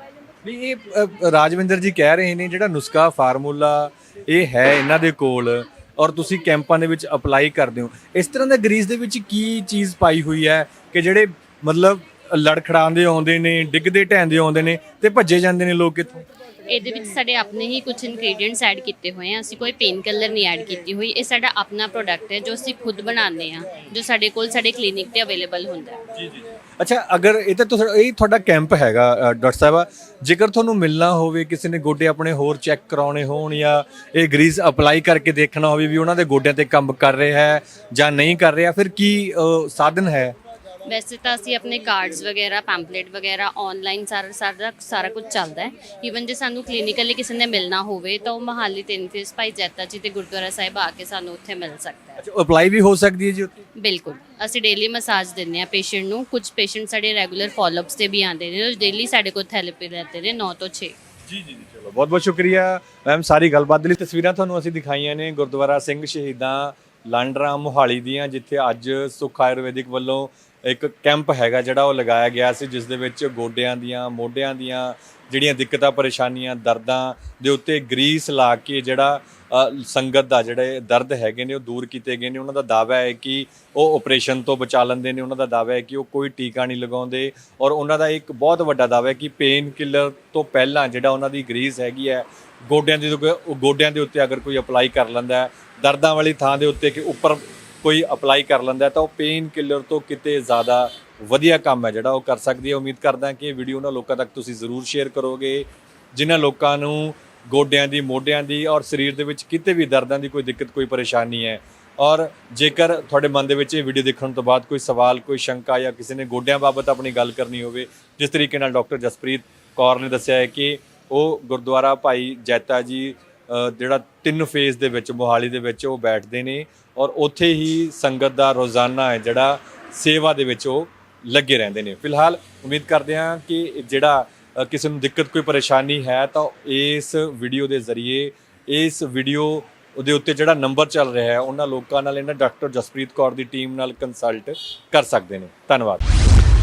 Speaker 1: ਨਹੀਂ ਇਹ ਰਾਜਵਿੰਦਰ ਜੀ ਕਹਿ ਰਹੇ ਨੇ ਜਿਹੜਾ ਨੁਸਖਾ ਫਾਰਮੂਲਾ ਇਹ ਹੈ ਇਹਨਾਂ ਦੇ ਕੋਲ ਔਰ ਤੁਸੀਂ ਕੈਂਪਾਂ ਦੇ ਵਿੱਚ ਅਪਲਾਈ ਕਰਦੇ ਹੋ, ਇਸ ਤਰ੍ਹਾਂ ਦਾ ਗਰੀਸ ਦੇ ਵਿੱਚ ਕੀ ਚੀਜ਼ ਪਾਈ ਹੋਈ ਹੈ ਕਿ ਜਿਹੜੇ ਮਤਲਬ ਲੜਖੜਾਉਂਦੇ ਆਉਂਦੇ ਨੇ, ਡਿੱਗਦੇ ਢਹਿੰਦੇ ਆਉਂਦੇ ਨੇ ਤੇ ਭੱਜੇ ਜਾਂਦੇ ਨੇ ਲੋਕ ਇੱਥੋਂ?
Speaker 8: ਇਹਦੇ ਵਿੱਚ ਸਾਡੇ ਆਪਣੇ ਹੀ ਕੁਝ ਇਨਗਰੀਡੀਐਂਟਸ ਐਡ ਕੀਤੇ ਹੋਏ ਆ, ਅਸੀਂ ਕੋਈ ਪੇਨ ਕਿਲਰ ਨਹੀਂ ਐਡ ਕੀਤੀ ਹੋਈ। ਇਹ ਸਾਡਾ ਆਪਣਾ ਪ੍ਰੋਡਕਟ ਹੈ ਜੋ ਅਸੀਂ ਖੁਦ ਬਣਾਉਂਦੇ ਆ, ਜੋ ਸਾਡੇ ਕੋਲ ਸਾਡੇ ਕਲੀਨਿਕ ਤੇ ਅਵੇਲੇਬਲ ਹੁੰਦਾ ਹੈ।
Speaker 1: ਜੀ ਜੀ। ਅੱਛਾ, ਅਗਰ ਇਹ ਤਾਂ ਇਹ ਤੁਹਾਡਾ ਕੈਂਪ ਹੈਗਾ ਡਾਕਟਰ ਸਾਹਿਬਾ, ਜੇਕਰ ਤੁਹਾਨੂੰ ਮਿਲਣਾ ਹੋਵੇ, ਕਿਸੇ ਨੇ ਗੋਡੇ ਆਪਣੇ ਹੋਰ ਚੈੱਕ ਕਰਾਉਣੇ ਹੋਣ ਜਾਂ ਇਹ ਗਰੀਸ ਅਪਲਾਈ ਕਰਕੇ ਦੇਖਣਾ ਹੋਵੇ ਵੀ ਉਹਨਾਂ ਦੇ ਗੋਡਿਆਂ ਤੇ ਕੰਮ ਕਰ ਰਿਹਾ ਹੈ ਜਾਂ ਨਹੀਂ ਕਰ ਰਿਹਾ, ਫਿਰ ਕੀ ਸਾਧਨ ਹੈ?
Speaker 8: ਵੈਸੇ ਤਾਂ ਅਸੀਂ ਆਪਣੇ ਕਾਰਡਸ ਵਗੈਰਾ, ਪੈਂਪਲੇਟ ਵਗੈਰਾ ਆਨਲਾਈਨ ਸਾਰਾ ਕੁਝ ਚੱਲਦਾ ਹੈ। ਈਵਨ ਜੇ ਸਾਨੂੰ ਕਲੀਨਿਕਲੀ ਕਿਸੇ ਨੇ ਮਿਲਣਾ ਹੋਵੇ ਤਾਂ ਉਹ ਮਹਾਲੀ 3 ਫੇਸ ਭਾਈ ਜੈਤਾ ਜੀ ਤੇ ਗੁਰਦੁਆਰਾ ਸਾਹਿਬ ਆ ਕੇ ਸਾਨੂੰ ਉੱਥੇ ਮਿਲ ਸਕਦਾ ਹੈ।
Speaker 1: ਅੱਛਾ, ਅਪਲਾਈ ਵੀ ਹੋ ਸਕਦੀ ਹੈ ਜੀ ਉੱਥੇ?
Speaker 8: ਬਿਲਕੁਲ, ਅਸੀਂ ਡੇਲੀ ਮਸਾਜ ਦਿੰਦੇ ਆ ਪੇਸ਼ੈਂਟ ਨੂੰ। ਕੁਝ ਪੇਸ਼ੈਂਟ ਸਾਡੇ ਰੈਗੂਲਰ ਫਾਲੋਅਪਸ ਤੇ ਵੀ ਆਉਂਦੇ ਨੇ, ਡੇਲੀ ਸਾਡੇ ਕੋਲ ਥੈਰੇਪੀ ਲੈਂਦੇ ਨੇ 9 ਤੋਂ 6।
Speaker 1: ਜੀ ਜੀ, ਚਲੋ ਬਹੁਤ ਬਹੁਤ ਸ਼ੁਕਰੀਆ ਮੈਮ ਸਾਰੀ ਗੱਲਬਾਤ ਦੇ ਲਈ। ਤਸਵੀਰਾਂ ਤੁਹਾਨੂੰ ਅਸੀਂ ਦਿਖਾਈਆਂ ਨੇ ਗੁਰਦੁਆਰਾ ਸਿੰਘ ਸ਼ਹੀਦਾਂ ਲਾਂਡਰਾ ਮੋਹਾਲੀ ਦੀਆਂ, ਜਿੱਥੇ ਅੱਜ ਸੁਖ ਆਯੁਰਵੈਦਿਕ ਵੱਲੋਂ ਇੱਕ ਕੈਂਪ ਹੈਗਾ ਜਿਹੜਾ ਉਹ ਲਗਾਇਆ ਗਿਆ ਸੀ, ਜਿਸ ਦੇ ਵਿੱਚ ਗੋਡਿਆਂ ਦੀਆਂ, ਮੋਢਿਆਂ ਦੀਆਂ ਜਿਹੜੀਆਂ ਦਿੱਕਤਾਂ, ਪਰੇਸ਼ਾਨੀਆਂ, ਦਰਦਾਂ ਦੇ ਉੱਤੇ ਗਰੀਸ ਲਾ ਕੇ ਜਿਹੜਾ ਸੰਗਤ ਦਾ ਜਿਹੜੇ ਦਰਦ ਹੈਗੇ ਨੇ ਉਹ ਦੂਰ ਕੀਤੇ ਗਏ ਨੇ। ਉਹਨਾਂ ਦਾ ਦਾਅਵਾ ਹੈ ਕਿ ਉਹ ਆਪਰੇਸ਼ਨ ਤੋਂ ਬਚਾ ਲੈਂਦੇ ਨੇ, ਉਹਨਾਂ ਦਾ ਦਾਅਵਾ ਹੈ ਕਿ ਉਹ ਕੋਈ ਟੀਕਾ ਨਹੀਂ ਲਗਾਉਂਦੇ, ਔਰ ਉਹਨਾਂ ਦਾ ਇੱਕ ਬਹੁਤ ਵੱਡਾ ਦਾਅਵਾ ਹੈ ਕਿ ਪੇਨ ਕਿਲਰ ਤੋਂ ਪਹਿਲਾਂ ਜਿਹੜਾ ਉਹਨਾਂ ਦੀ ਗਰੀਸ ਹੈਗੀ ਹੈ ਗੋਡਿਆਂ ਦੇ ਉੱਤੇ ਅਗਰ ਕੋਈ ਅਪਲਾਈ ਕਰ ਲੈਂਦਾ ਹੈ, ਦਰਦਾਂ ਵਾਲੀ ਥਾਂ ਦੇ ਉੱਤੇ ਕਿ ਉੱਪਰ ਕੋਈ ਅਪਲਾਈ ਕਰ ਲੈਂਦਾ ਤਾਂ ਉਹ ਪੇਨ ਕਿਲਰ ਤੋਂ ਕਿਤੇ ਜ਼ਿਆਦਾ ਵਧੀਆ ਕੰਮ ਹੈ ਜਿਹੜਾ ਉਹ ਕਰ ਸਕਦੀ ਹੈ। ਉਮੀਦ ਕਰਦਾ ਕਿ ਇਹ ਵੀਡੀਓ ਉਹਨਾਂ ਲੋਕਾਂ ਤੱਕ ਤੁਸੀਂ ਜ਼ਰੂਰ ਸ਼ੇਅਰ ਕਰੋਗੇ ਜਿਨ੍ਹਾਂ ਲੋਕਾਂ ਨੂੰ ਗੋਡਿਆਂ ਦੀ, ਮੋਢਿਆਂ ਦੀ ਔਰ ਸਰੀਰ ਦੇ ਵਿੱਚ ਕਿਤੇ ਵੀ ਦਰਦਾਂ ਦੀ ਕੋਈ ਦਿੱਕਤ, ਕੋਈ ਪਰੇਸ਼ਾਨੀ ਹੈ। ਔਰ ਜੇਕਰ ਤੁਹਾਡੇ ਮਨ ਦੇ ਵਿੱਚ ਇਹ ਵੀਡੀਓ ਦੇਖਣ ਤੋਂ ਬਾਅਦ ਕੋਈ ਸਵਾਲ, ਕੋਈ ਸ਼ੰਕਾ ਜਾਂ ਕਿਸੇ ਨੇ ਗੋਡਿਆਂ ਬਾਬਤ ਆਪਣੀ ਗੱਲ ਕਰਨੀ ਹੋਵੇ, ਜਿਸ ਤਰੀਕੇ ਨਾਲ ਡਾਕਟਰ ਜਸਪ੍ਰੀਤ ਕੌਰ ਨੇ ਦੱਸਿਆ ਹੈ ਕਿ ਉਹ ਗੁਰਦੁਆਰਾ ਭਾਈ ਜੈਤਾ ਜੀ ਜਿਹੜਾ 3 ਫੇਜ਼ ਦੇ ਵਿੱਚ ਮੋਹਾਲੀ ਦੇ ਵਿੱਚ ਉਹ ਬੈਠਦੇ ਨੇ ਔਰ ਉੱਥੇ ਹੀ ਸੰਗਤ ਦਾ ਰੋਜ਼ਾਨਾ ਹੈ ਜਿਹੜਾ ਸੇਵਾ ਦੇ ਵਿੱਚ ਉਹ ਲੱਗੇ ਰਹਿੰਦੇ ਨੇ। ਫਿਲਹਾਲ ਉਮੀਦ ਕਰਦੇ ਹਾਂ ਕਿ ਜਿਹੜਾ ਕਿਸੇ ਨੂੰ ਦਿੱਕਤ, ਕੋਈ ਪਰੇਸ਼ਾਨੀ ਹੈ ਤਾਂ ਇਸ ਵੀਡੀਓ ਦੇ ਜ਼ਰੀਏ, ਇਸ ਵੀਡੀਓ ਦੇ ਉੱਤੇ ਜਿਹੜਾ ਨੰਬਰ ਚੱਲ ਰਿਹਾ ਹੈ ਉਹਨਾਂ ਲੋਕਾਂ ਨਾਲ, ਇਹਨਾਂ ਡਾਕਟਰ ਜਸਪ੍ਰੀਤ ਕੌਰ ਦੀ ਟੀਮ ਨਾਲ ਕੰਸਲਟ ਕਰ ਸਕਦੇ ਨੇ। ਧੰਨਵਾਦ।